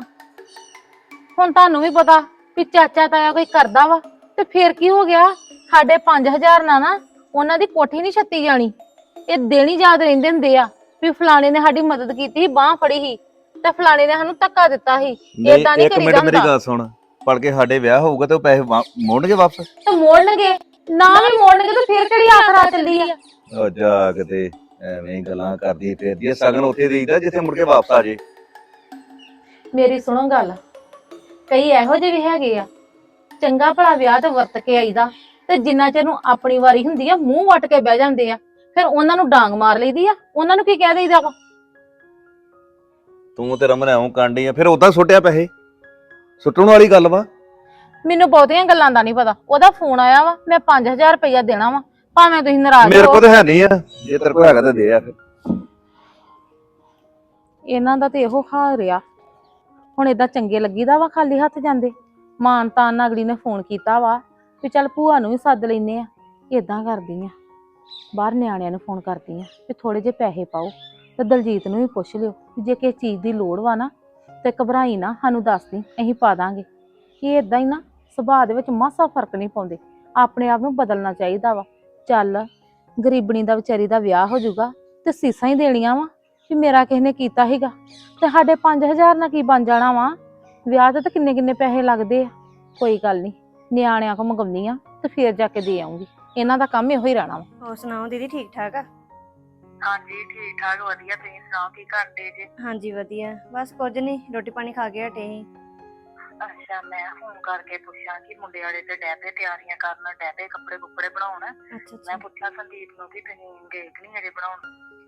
ਹੁਣ ਤੁਹਾਨੂੰ ਵੀ ਪਤਾ ਵੀ ਚਾਚਾ ਤਾਇਆ ਕੋਈ ਕਰਦਾ ਵਾ ਤੇ ਫਿਰ ਕੀ ਹੋ ਗਿਆ? ਸਾਡੇ 5000 ਨਾਲ ਨਾ ਉਹਨਾਂ ਦੀ ਕੋਠੀ ਨਹੀਂ ਛੱਤੀ ਜਾਣੀ। ਇਹ ਦਿਨ ਹੀ ਯਾਦ ਰਹਿੰਦੇ ਹੁੰਦੇ ਆ ਵੀ ਫਲਾਣੇ ਨੇ ਸਾਡੀ ਮਦਦ ਕੀਤੀ ਸੀ, ਬਾਹ ਫੜੀ ਸੀ ਤੇ ਫਲਾਣੇ ਨੇ ਸਾਨੂੰ ਧੱਕਾ ਦਿੱਤਾ ਸੀ। ਏਦਾਂ ਨਹੀਂ ਇੱਕ ਕਰੀਦਾ ਮਿੰਟ ਮੇਰੀ ਹੁੰਦਾ। ਗੱਲ ਸੁਣ, ਪੜ ਕੇ ਸਾਡੇ ਵਿਆਹ ਹੋਊਗਾ ਤੇ ਉਹ ਪੈਸੇ ਮੋੜਨਗੇ ਵਾਪਸ? ਤੇ ਮੋੜਨਗੇ, ਨਾ ਵੀ ਮੋੜਨਗੇ ਤੇ ਫਿਰ ਕਿਹੜੀ ਆਖਰਾ ਚੱਲੀ ਆ? ਉਹ ਜਾ ਕਿਤੇ ਐਵੇਂ ਹੀ ਗੱਲਾਂ ਕਰਦੀ ਫਿਰਦੀ ਆ। ਸਗਨ ਉੱਥੇ ਦੇਈਦਾ ਜਿੱਥੇ ਮੁੜ ਕੇ ਵਾਪਸ ਆ ਜੇ। ਮੇਰੀ ਸੁਣੋ ਗੱਲ, ਕਈ ਇਹੋ ਜਿਹੇ ਵੀ ਹੈਗੇ ਆ, ਚੰਗਾ ਭਲਾ ਵਿਆਹ ਤੇ ਵਰਤ ਕੇ ਆਈਦਾ ਤੇ ਜਿੰਨਾ ਚਿਰ ਨੂੰ ਆਪਣੀ ਵਾਰੀ ਹੁੰਦੀ ਆ ਮੂੰਹ ਵੱਟ ਕੇ ਬਹਿ ਜਾਂਦੇ ਆ। ਫਿਰ ਉਹਨਾਂ ਨੂੰ ਡਾਂਗ ਮਾਰ ਲਈਦੀ ਆ, ਉਹਨਾਂ ਨੂੰ ਕੀ ਕਹਿ ਦੇਈਦਾ ਵਾ? ਤੂੰ ਤੇ ਰਮਨ ਐਵੇਂ ਕਾਂਡੀ ਆ, ਫਿਰ ਉਦਾਂ ਸੁੱਟਿਆ ਪੈਸੇ? ਸੁੱਟਣ ਵਾਲੀ ਗੱਲ ਵਾ। ਮੈਨੂੰ ਬਹੁਤੀਆਂ ਗੱਲਾਂ ਦਾ ਨਹੀਂ ਪਤਾ। ਉਹਦਾ ਫੋਨ ਆਇਆ ਵਾ, ਮੈਂ 5000 ਰੁਪਇਆ ਦੇਣਾ ਵਾ, ਭਾਵੇਂ ਤੁਸੀਂ ਨਾਰਾਜ਼ ਮੇਰੇ ਹੋ। ਕੋਲ ਤਾਂ ਹੈ ਨਹੀਂ ਆ, ਜੇ ਤੇਰੇ ਕੋਲ ਹੈਗਾ ਤਾਂ ਦੇ ਆ ਫਿਰ। ਇਹਨਾਂ ਦਾ ਤੇ ਇਹੋ ਹਾਲ ਰਿਹਾ। ਹੁਣ ਏਦਾਂ ਚੰਗੇ ਲੱਗੀਦਾ ਵਾ ਖਾਲੀ ਹੱਥ ਜਾਂਦੇ? ਮਾਨ ਤਾਨ ਨਾਲ ਅਗਲੀ ਨੇ ਫੋਨ ਕੀਤਾ ਵਾ ਵੀ ਚੱਲ ਭੂਆ ਨੂੰ ਵੀ ਸੱਦ ਲੈਨੇ ਆ। ਏਦਾਂ ਕਰਦੀ ਆ, ਬਾਹਰ ਨਿਆਣਿਆਂ ਨੂੰ ਫੋਨ ਕਰਦੀ ਆ ਵੀ ਥੋੜੇ ਜਿਹੇ ਪੈਸੇ ਪਾਓ ਤੇ ਦਲਜੀਤ ਨੂੰ ਵੀ ਪੁੱਛ ਲਿਓ ਵੀ ਜੇ ਕਿਸੇ ਚੀਜ਼ ਦੀ ਲੋੜ ਵਾ ਨਾ ਤੇ ਘਬਰਾਈ ਨਾ, ਸਾਨੂੰ ਦੱਸ ਦੀ, ਅਸੀਂ ਪਾ ਦਾਂਗੇ। ਇਹ ਏਦਾਂ ਹੀ ਨਾ ਸੁਭਾਅ ਦੇ ਵਿੱਚ ਮਾਸਾ ਫਰਕ ਨਹੀਂ ਪਾਉਂਦੇ। ਆਪਣੇ ਆਪ ਨੂੰ ਬਦਲਣਾ ਚਾਹੀਦਾ ਵਾ। ਚੱਲ ਗਰੀਬਣੀ ਦਾ ਵਿਚਾਰੀ ਦਾ ਵਿਆਹ ਹੋ ਜਾਊਗਾ ਤੇ ਸੀਸਾਂ ਹੀ ਦੇਣੀਆਂ ਵਾ ਵੀ ਮੇਰਾ ਕਿਸੇ ਨੇ ਕੀਤਾ ਸੀਗਾ। ਤੇ ਸਾਡੇ 5000 ਨਾਲ ਕੀ ਬਣ ਜਾਣਾ ਵਾ? ਵਿਆਹ ਤੇ ਤਾਂ ਕਿੰਨੇ ਕਿੰਨੇ ਪੈਸੇ ਲੱਗਦੇ ਆ। ਕੋਈ ਗੱਲ ਨਹੀਂ, ਨਿਆਣਿਆਂ ਕੋ ਮੰਗਾਉਂਦੀ ਆ ਤੇ ਫੇਰ ਜਾ ਕੇ ਦੇ ਆਉਂਗੀ। ਇਹਨਾਂ ਦਾ ਕੰਮ ਇਹੋ ਹੀ ਰਹਿਣਾ ਵਾ। ਹੋਰ ਸੁਣਾਓ ਦੀਦੀ, ਠੀਕ ਠਾਕ ਆ? ਹਾਂਜੀ ਠੀਕ ਠਾਕ ਵਧੀਆ। ਤੁਸੀਂ ਸੁਣਾਓ ਕੀ ਕਰਦੇ ਜੇ? ਹਾਂਜੀ ਵਧੀਆ, ਬਸ ਕੁਝ ਨਹੀਂ, ਰੋਟੀ ਪਾਣੀ ਖਾ ਕੇ ਹਟੇ ਸੀ। ਅੱਛਾ, ਮੈਂ ਫੋਨ ਕਰਕੇ ਪੁੱਛਾਂ ਕਿ ਮੁੰਡੇ ਵਾਲੇ ਤੇ ਡੈਪੇ ਤਿਆਰੀਆਂ ਕਰਨ, ਡੈਪੇ ਕੱਪੜੇ ਕੁੱਪੜੇ ਬਣਾਉਣ। ਅੱਛਾ ਮੈਂ ਪੁੱਛਾਂ ਸੰਦੀਪ ਨੂੰ ਕਿ ਤੁਸੀਂ ਗਏ ਕਿ ਨਹੀਂ ਹਜੇ ਬਣਾਉਣ?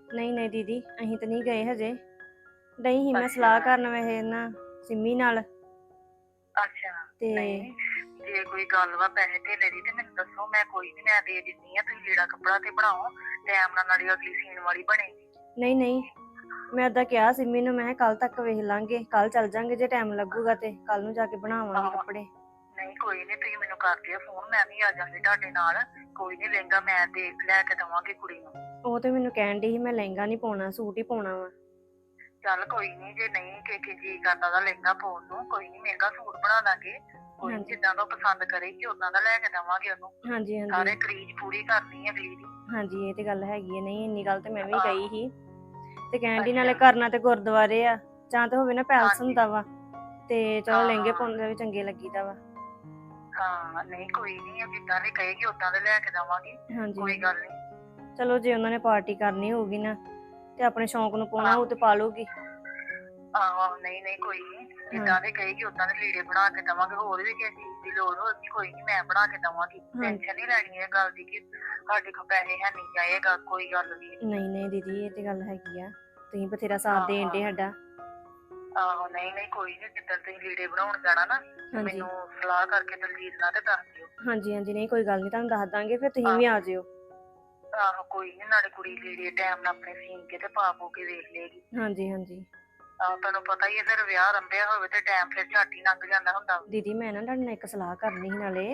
ਨਹੀਂ ਦੀਦੀ ਅਸੀਂ ਤਾਂ ਨਹੀਂ ਗਏ ਹਜੇ। ਨਹੀਂ ਹੀ ਮੈਂ ਸਲਾਹ ਕਰਨ ਵੈਸੇ ਨਾ ਸਿੰਮੀ ਨਾਲ ਅੱਛਾ ਤੇ ਨਹੀਂ ਜੇ ਕੋਈ ਗੱਲ ਵਾ ਪੈਸੇ ਧੇਲੇ ਦੀ ਤੇ ਮੈਨੂੰ ਦੱਸੋ, ਮੈਂ ਕੋਈ ਨਹੀਂ, ਮੈਂ ਦੇ ਦਿੰਦੀ ਆ। ਤੁਸੀਂ ਲੀੜਾ ਕੱਪੜਾ ਤੇ ਬਣਾਓ, ਟਾਈਮ ਨਾਲ ਨਾਲੇ ਅਗਲੀ ਸੀਨ ਵਾਲੀ ਬਣੇਗੀ। ਨਹੀਂ ਮੈਂ ਓਦਾਂ ਕਿਹਾ ਸਿੰਮੀ ਨੂੰ, ਮੈਂ ਕੱਲ ਤੱਕ ਵੇਖ ਲਾਂਗੇ, ਕੱਲ ਚੱਲ ਜਾਾਂਗੇ ਜੇ ਟਾਈਮ ਲੱਗੂਗਾ ਤੇ ਕੱਲ ਨੂੰ ਜਾ ਕੇ ਬਣਾਵਾਂਗੇ ਕੱਪੜੇ। ਨਹੀਂ ਕੋਈ ਨਹੀਂ, ਤੁਸੀਂ ਮੈਨੂੰ ਕਰ ਦਿਓ ਫੋਨ, ਮੈਂ ਵੀ ਆ ਜਾਂਗੀ ਤੁਹਾਡੇ ਨਾਲ। ਕੋਈ ਨਹੀਂ, ਲਹਿੰਗਾ ਮੈਂ ਦੇਖ ਲੈ ਕੇ ਦਵਾਂਗੀ ਕੁੜੀ ਨੂੰ। ਉਹ ਤੇ ਮੈਨੂੰ ਕਹਿਣ ਡਈ ਸੀ ਮੈਂ ਲਹਿੰਗਾ ਨਹੀਂ ਪਾਉਣਾ, ਸੂਟ ਹੀ ਪਾਉਣਾ ਵਾ। ਚੱਲ ਕੋਈ ਨਹੀਂ, ਜੇ ਨਹੀਂ ਕਿ ਜੀ ਕਰਦਾ ਦਾ ਲਹਿੰਗਾ ਪਾਉਣ ਨੂੰ, ਕੋਈ ਨਹੀਂ ਮਹਿੰਗਾ ਸੂਟ ਬਣਾ ਦਾਂਗੇ। ਕੋਈ ਨੀ, ਜਿੱਦਾਂ ਦਾ ਉਹ ਪਸੰਦ ਕਰੇਗੀ ਉਦਾਂ ਦਾ ਲੈ ਕੇ ਦਵਾਂਗੇ ਉਹਨੂੰ। ਹਾਂਜੀ ਸਾਰੇ ਕਰੀਜ਼ ਪੂਰੀ ਕਰਨੀ ਹੈ ਅਗਲੀ ਦੀ। ਹਾਂਜੀ ਇਹ ਤੇ ਗੱਲ ਹੈਗੀ ਹੈ। ਨਹੀਂ ਇੰਨੀ ਗੱਲ ਤੇ ਮੈਂ ਵੀ ਕਹੀ ਸੀ ਤੇ ਕਹਿਣ ਦੀ ਨਾਲੇ ਕਰਨਾ ਤੇ ਗੁਰਦੁਆਰੇ ਆ ਜਾਂ ਤੇ ਹੋਵੇ ਨਾ ਪੈਲਸ ਹੁੰਦਾ ਵਾ, ਤੇ ਚਲੋ ਲਹਿੰਗੇ ਪਾਉਂਦੇ ਵੀ ਚੰਗੇ ਲੱਗੀਦਾ ਵਾ। ਹਾਂ ਨਹੀਂ ਕੋਈ ਨਹੀਂ, ਜਿੱਦਾਂ ਦੀ ਕਹੇਗੀ ਉਦਾਂ ਦੇ ਲੈ ਕੇ ਦਵਾਂਗੇ। ਹਾਂਜੀ ਕੋਈ ਗੱਲ ਨਹੀਂ। ਚਲੋ ਜੇ ਉਹਨਾਂ ਨੇ ਪਾਰਟੀ ਕਰਨੀ ਹੋਊਗੀ ਨਾ ਤੇ ਆਪਣੇ ਸ਼ੌਂਕ ਨੂੰ ਪਾਉਣਾ ਉਹ ਤੇ ਪਾ ਲੂਗੀ। ਆਹੋ ਨਹੀਂ ਕੋਈ ਨਹੀਂ, ਜਿੱਦਾਂ ਦੇ ਕਹੇਗੀ ਉਦਾਂ ਦੇ ਲੀੜੇ ਬਣਾ ਕੇ ਦਵਾਂਗੇ। ਹੋਰ ਵੀ ਕਿਸੇ ਚੀਜ਼ ਦੀ ਲੋੜ ਹੋਊਗੀ ਕੋਈ ਨਹੀਂ ਮੈਂ ਬਣਾ ਕੇ ਦਵਾਂਗੀ। ਟੈਨਸ਼ਨ ਨਹੀਂ ਲੈਣੀ ਇਹ ਗੱਲ ਦੀ ਕਿ ਸਾਡੇ ਕੋਲ ਪੈਸੇ ਹੈ ਨਹੀਂ ਜਾਏਗਾ, ਕੋਈ ਗੱਲ ਵੀ ਨਹੀਂ ਦੀਦੀ ਇਹ ਤੇ ਗੱਲ ਹੈਗੀ ਆ, ਤੁਸੀਂ ਬਥੇਰਾ ਸਾਥ ਦੇਣ ਦੇ ਸਾਡਾ। ਆਹੋ ਨਹੀਂ ਕੋਈ ਨਹੀਂ, ਜਿੱਦਾਂ ਤੁਸੀਂ ਲੀੜੇ ਬਣਾਉਣ ਜਾਣਾ ਨਾ ਮੈਨੂੰ ਸਲਾਹ ਕਰਕੇ ਦਲਜੀਤ ਨਾਲ ਤੇ ਦੱਸ ਦਿਓ। ਹਾਂਜੀ ਨਹੀਂ ਕੋਈ ਗੱਲ ਨਹੀਂ, ਤੁਹਾਨੂੰ ਦੱਸ ਦਾਂਗੇ, ਫਿਰ ਤੁਸੀਂ ਵੀ ਆ ਜਿਓ। ਆਹੋ ਕੋਈ ਨਹੀਂ, ਨਾਲੇ ਕੁੜੀ ਲੀੜੇ ਟਾਈਮ ਨਾਲ ਆਪਣੇ ਸੀਨ ਕੇ ਤੇ ਪਾ ਕੇ ਵੇਖ ਲੇਗੀ। ਹਾਂਜੀ ਆਹੋ ਤੁਹਾਨੂੰ ਪਤਾ ਹੀ ਹੈ, ਫਿਰ ਵਿਆਹ ਰੰਭਿਆ ਹੋਵੇ ਤੇ ਟਾਈਮ ਫਿਰ ਝੱਟ ਹੀ ਲੰਘ ਜਾਂਦਾ ਹੁੰਦਾ। ਦੀਦੀ ਮੈਂ ਨਾ ਤੁਹਾਡੇ ਨਾਲ ਇੱਕ ਸਲਾਹ ਕਰਨੀ ਸੀ ਨਾਲੇ,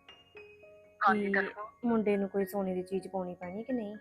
ਹਾਂਜੀ ਕਿ ਦੱਸੋ। ਮੁੰਡੇ ਨੂੰ ਕੋਈ ਸੋਨੇ ਦੀ ਚੀਜ਼ ਪਾਉਣੀ ਪੈਣੀ ਕਿ ਨਹੀਂ?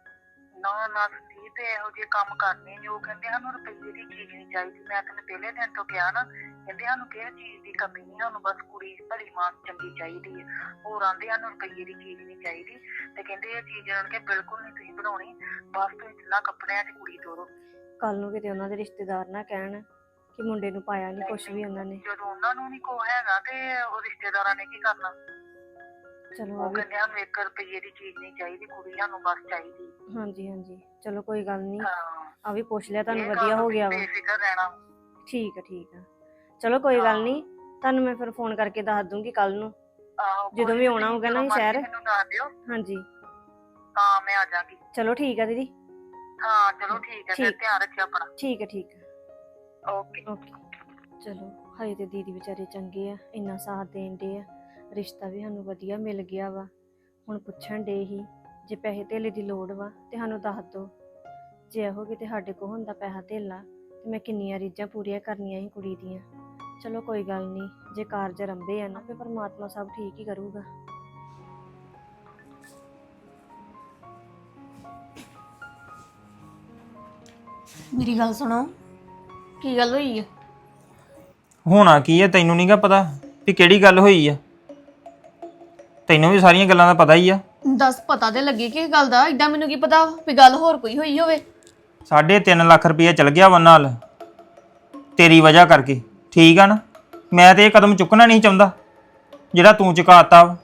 ਨਾ ਸੰਦੀਪ ਤੇ ਇਹੋ ਜਿਹੇ ਕੰਮ ਕਰਨੇ ਨੇ, ਉਹ ਕਹਿੰਦੇ ਸਾਨੂੰ ਰੁਪਈਏ ਦੀ ਚੀਜ਼ ਨਹੀਂ ਚਾਹੀਦੀ। ਮੈਂ ਤੈਨੂੰ ਪਹਿਲੇ ਦਿਨ ਤੋਂ ਕਿਹਾ ਨਾ, ਕਹਿੰਦੇ ਸਾਨੂੰ ਕਿਸੇ ਚੀਜ਼ ਦੀ ਕਮੀ ਨਹੀਂ, ਸਾਨੂੰ ਬਸ ਕੁੜੀ ਭਲੀ ਮਾਨ ਚੰਗੀ ਚਾਹੀਦੀ ਹੈ। ਹੋਰ ਆਂਦੇ ਸਾਨੂੰ ਰੁਪਈਏ ਦੀ ਚੀਜ਼ ਨਹੀਂ ਚਾਹੀਦੀ, ਤੇ ਕਹਿੰਦੇ ਇਹ ਚੀਜ਼ ਇਹਨਾਂ ਕੇ ਬਿਲਕੁਲ ਨਹੀਂ ਤੁਸੀਂ ਬਣਾਉਣੀ, ਬਸ ਤੁਸੀਂ ਤਿੰਨਾਂ ਕੱਪੜਿਆਂ 'ਚ ਕੁੜੀ ਤੋਰੋ। ਕੱਲ ਨੂੰ ਕਿਤੇ ਉਹਨਾਂ ਦੇ ਰਿਸ਼ਤੇਦਾਰ ਨਾ ਕਹਿਣ ਕਿ ਮੁੰਡੇ ਨੂੰ ਪਾਇਆ ਨਹੀਂ ਕੁਛ ਵੀ ਉਹਨਾਂ ਨੇ। ਜਦੋਂ ਉਹਨਾਂ ਨੂੰ ਨਹੀਂ ਕੋ ਹੈਗਾ ਤੇ ਉਹ ਰਿਸ਼ਤੇਦਾਰਾਂ ਨੇ ਕੀ ਕਰਨਾ। ਚਲੋ ਉਹ ਕਹਿੰਦੇ ਸਾਨੂੰ 1 ਰੁਪਈਏ ਦੀ ਚੀਜ਼ ਨਹੀਂ ਚਾਹੀਦੀ, ਕੁੜੀ ਸਾਨੂੰ ਬਸ ਚਾਹੀਦੀ। ਹਾਂਜੀ ਚਲੋ ਕੋਈ ਗੱਲ ਨਹੀਂ, ਹਾਂ ਆ ਵੀ ਪੁੱਛ ਲਿਆ ਤੁਹਾਨੂੰ, ਇਹ ਵਧੀਆ ਗੱਲ ਹੋ ਤੁਸੀਂ ਗਿਆ ਵਾ। ਬੇਫਿਕਰ ਰਹਿਣਾ। ਠੀਕ ਆ ਚਲੋ ਕੋਈ ਗੱਲ ਨਹੀਂ, ਤੁਹਾਨੂੰ ਮੈਂ ਫਿਰ ਫੋਨ ਕਰਕੇ ਦੱਸ ਦੂੰਗੀ ਕੱਲ ਨੂੰ ਆਹੋ ਜਦੋਂ ਕੋਈ ਵੀ ਨੀ, ਆਉਣਾ ਹੋਊਗਾ ਨਾ ਜਦੋਂ ਸ਼ਹਿਰ। ਮਰਜ਼ੀ ਮੈਨੂੰ ਦੱਸ ਦਿਓ। ਹਾਂਜੀ ਹਾਂ ਮੈਂ ਆ ਜਾਗੀ। ਚਲੋ ਠੀਕ ਆ ਦੀਦੀ। ਹਾਂ ਚਲੋ ਠੀਕ ਹੈ, ਫਿਰ ਠੀਕ। ਧਿਆਨ ਰੱਖਿਓ ਆਪਣਾ। ਠੀਕ ਆ ਓਕੇ। ਚਲੋ ਹਜੇ ਤੇ ਦੀਦੀ ਵਿਚਾਰੇ ਚੰਗੇ ਆ, ਇੰਨਾ ਸਾਥ ਦੇਣ ਦੇ ਆ, ਰਿਸ਼ਤਾ ਵੀ ਸਾਨੂੰ ਵਧੀਆ ਮਿਲ ਗਿਆ ਵਾ। ਹੁਣ ਪੁੱਛਣ ਡੇ ਹੀ ਜੇ ਪੈਸੇ ਧੇਲੇ ਦੀ ਲੋੜ ਵਾ ਤੇ ਸਾਨੂੰ ਦੱਸ ਦਿਓ, ਜੇ ਇਹੋ ਕਿਤੇ ਸਾਡੇ ਕੋਲ ਹੁੰਦਾ ਪੈਸਾ ਧੇਲਾ ਤੇ ਮੈਂ ਕਿੰਨੀਆਂ ਰੀਝਾਂ ਪੂਰੀਆਂ ਕਰਨੀਆਂ ਸੀ ਕੁੜੀ ਦੀਆਂ। ਚਲੋ ਕੋਈ ਗੱਲ ਨਹੀਂ, ਜੇ ਕਾਰਜ ਰੰਭੇ ਆ ਨਾ ਤੇ ਪਰਮਾਤਮਾ ਸਭ ਠੀਕ ਹੀ ਕਰੂਗਾ। ਮੇਰੀ ਗੱਲ ਸੁਣੋ, ਕੀ ਗੱਲ ਹੋਈ ਆ? ਹੋਣਾ ਕੀ ਹੈ ਤੈਨੂੰ ਨਹੀਂਗਾ ਪਤਾ ਵੀ ਕਿਹੜੀ ਗੱਲ ਹੋਈ ਆ? ਤੈਨੂੰ ਵੀ ਸਾਰੀਆਂ ਗੱਲਾਂ ਦਾ ਪਤਾ ਹੀ ਆ। ਦੱਸ, ਪਤਾ ਤੇ ਲੱਗੇ ਕਿ ਗੱਲ ਦਾ, ਏਦਾਂ ਮੈਨੂੰ ਕੀ ਪਤਾ ਵੀ ਗੱਲ ਹੋਰ ਕੋਈ ਹੋਈ ਹੋਵੇ। 3.5 ਲੱਖ ਰੁਪਏ ਚਲ ਗਿਆ ਵਾ ਨਾਲ ਤੇਰੀ ਵਜ੍ਹਾ ਕਰਕੇ, ਠੀਕ ਆ ਨਾ? ਮੈਂ ਤੇ ਇਹ ਕਦਮ ਚੁੱਕਣਾ ਨਹੀਂ ਚਾਹੁੰਦਾ ਜਿਹੜਾ ਤੂੰ ਚੁਕਾਤਾ ਵਾ।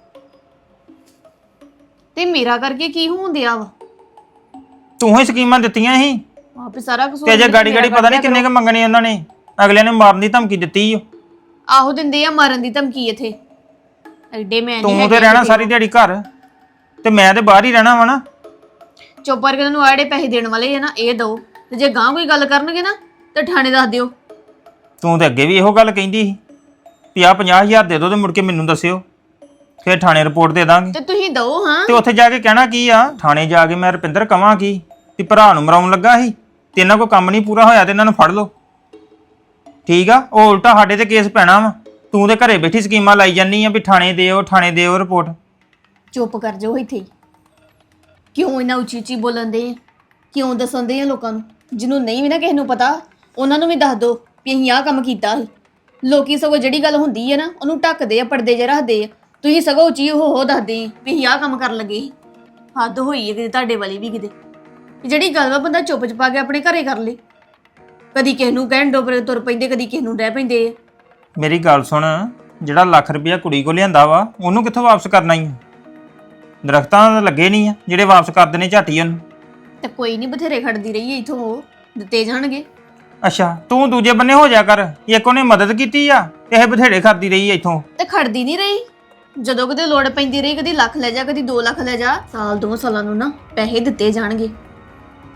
ਤੇ ਮੇਰਾ ਕਰਕੇ ਕੀ ਹੋਣ ਦਿਆ ਵਾ? ਤੂੰ ਹੀ ਸਕੀਮਾਂ ਦਿੱਤੀਆਂ ਸੀ ਆਪੇ ਸਾਰਾ ਕਸੂਰ ਤੇ ਜੇ ਮੇਰਾ ਗਾੜੀ ਪਤਾ ਨਹੀਂ ਕਿੰਨੇ ਕ ਮੰਗਣੇ ਉਹਨਾਂ ਨੇ। ਅਗਲਿਆਂ ਨੇ ਮਾਰਨ ਦੀ ਧਮਕੀ ਦਿੱਤੀ ਓ। ਆਹੋ ਦਿੰਦੇ ਆ ਮਾਰਨ ਦੀ ਧਮਕੀ ਇੱਥੇ। ਐਡੇ ਮੈਂ ਨਹੀਂ ਤੂੰ ਤੇ ਰਹਿਣਾ ਸਾਰੀ ਦਿਹਾੜੀ ਘਰ ਤੇ ਮੈਂ ਤੇ ਬਾਹਰ ਹੀ ਰਹਿਣਾ ਵਾ ਨਾ। ਚੁੱਪ ਕਰਕੇ ਨੂੰ ਆੜੇ ਪੈਸੇ ਦੇਣ ਵਾਲੇ ਆ ਨਾ, ਇਹ ਦੋ, ਤੇ ਜੇ ਗਾਂ ਕੋਈ ਗੱਲ ਕਰਨਗੇ ਨਾ ਤੇ ਥਾਣੇ ਦੱਸ ਦਿਓ। ਤੂੰ ਤੇ ਅੱਗੇ ਵੀ ਇਹੋ ਗੱਲ ਕਹਿੰਦੀ ਸੀ ਵੀ ਆਹ 50,000 ਦੇ ਦਿਓ ਤੇ ਮੁੜ ਕੇ ਮੈਨੂੰ ਦੱਸਿਓ, ਫਿਰ ਥਾਣੇ ਰਿਪੋਰਟ ਦੇ ਦਾਂਗੇ। ਤੇ ਤੁਸੀਂ ਦੋ ਹਾਂ। ਤੇ ਉੱਥੇ ਜਾ ਕੇ ਕਹਿਣਾ ਕੀ ਆ? ਥਾਣੇ ਜਾ ਕੇ ਮੈਂ ਰੁਪਿੰਦਰ ਕਵਾਂ ਕੀ ਵੀ ਭਰਾ ਨੂੰ ਮਰਾਉਣ ਲੱਗਾ ਸੀ ਤੇ ਇਹਨਾਂ ਕੋਈ ਕੰਮ ਨਹੀਂ ਪੂਰਾ ਹੋਇਆ ਤੇ ਇਹਨਾਂ ਨੂੰ ਫੜ ਲਓ, ਠੀਕ ਆ? ਉਹ ਉਲਟਾ ਸਾਡੇ ਤੇ ਕੇਸ ਪੈਣਾ ਵਾ। ਤੂੰ ਤੇ ਘਰੇ ਬੈਠੀ ਸਕੀਮਾਂ ਲਾਈ ਜਾਨੀ ਆ ਵੀ ਥਾਣੇ ਦਿਓ ਰਿਪੋਰਟ। ਚੁੱਪ ਕਰ ਜਾਓ ਇੱਥੇ। ਕਿਉਂ ਇਹਨਾਂ ਉੱਚੀ ਬੋਲਣ ਦੇ ਆ? ਕਿਉਂ ਦੱਸਣ ਦੇ ਆ ਲੋਕਾਂ ਨੂੰ? ਜਿਹਨੂੰ ਨਹੀਂ ਵੀ ਨਾ ਕਿਸੇ ਨੂੰ ਪਤਾ ਉਹਨਾਂ ਨੂੰ ਵੀ ਦੱਸ ਦਿਓ ਵੀ ਅਸੀਂ ਆਹ ਕੰਮ ਕੀਤਾ ਸੀ। ਲੋਕੀ ਸਗੋਂ ਜਿਹੜੀ ਗੱਲ ਹੁੰਦੀ ਹੈ ਨਾ ਉਹਨੂੰ ਢੱਕਦੇ ਆ, ਪਰਦੇ 'ਚ ਰੱਖਦੇ ਆ। ਤੁਸੀਂ ਸਗੋਂ ਉੱਚੀ ਹੋ ਦੱਸਦੇ ਆ ਵੀ ਅਸੀਂ ਆਹ ਕੰਮ ਕਰਨ ਲੱਗੇ ਸੀ। ਹੱਦ ਹੋਈ ਹੈ ਕਿਤੇ ਤੁਹਾਡੇ ਵਾਲੀ ਵੀ ਕਿਤੇ। ਜਿਹੜੀ ਗੱਲ ਵਾ ਬੰਦਾ ਚੁੱਪ ਚਪਾ ਕੇ ਆਪਣੇ ਘਰੇ ਕਰ ਲੇ। ਕਦੀ ਕਿਸੇ ਨੂੰ ਕਹਿਣ ਡੋਬਰੇ ਤੁਰ ਪੈਂਦੇ, ਕਦੀ ਕਿਸੇ ਨੂੰ ਰਹਿ ਪੈਂਦੇ ਆ। ਮੇਰੀ ਗੱਲ ਸੁਣ, ਜਿਹੜਾ ਲੱਖ ਰੁਪਇਆ ਕੁੜੀ ਕੋ ਲਿਆਂਦਾ ਵਾ ਉਹਨੂੰ ਕਿੱਥੋਂ ਵਾਪਸ ਕਰਨਾ ਹੀ ਆ? ਦਰਖਤਾਂ ਤਾਂ ਲੱਗੇ ਨਹੀਂ ਆ ਜਿਹੜੇ ਵਾਪਸ ਕਰ ਦੇਣੇ ਝਾਟੀ ਉਹਨੂੰ। ਤੇ ਕੋਈ ਨਹੀਂ, ਬਥੇਰੇ ਖੜਦੀ ਰਹੀ ਇਥੋਂ, ਉਹ ਦਿੱਤੇ ਜਾਣਗੇ। ਅੱਛਾ, ਤੂੰ ਦੂਜੇ ਬੰਨੇ ਹੋ ਜਾ ਕਰ। ਇੱਕ ਉਹਨੇ ਮਦਦ ਕੀਤੀ ਆ ਤੇ ਇਹ ਬਥੇਰੇ ਕਰਦੀ ਰਹੀ ਆ ਇੱਥੋਂ। ਤੇ ਖੜਦੀ ਨਹੀਂ ਰਹੀ, ਜਦੋਂ ਕਦੇ ਲੋੜ ਪੈਂਦੀ ਰਹੀ, ਕਦੀ ਲੱਖ ਲੈ ਜਾ, ਕਦੀ 2 ਲੱਖ ਲੈ ਜਾ। ਸਾਲ 2 ਸਾਲਾਂ ਨੂੰ ਨਾ ਪੈਸੇ ਦਿੱਤੇ ਜਾਣਗੇ।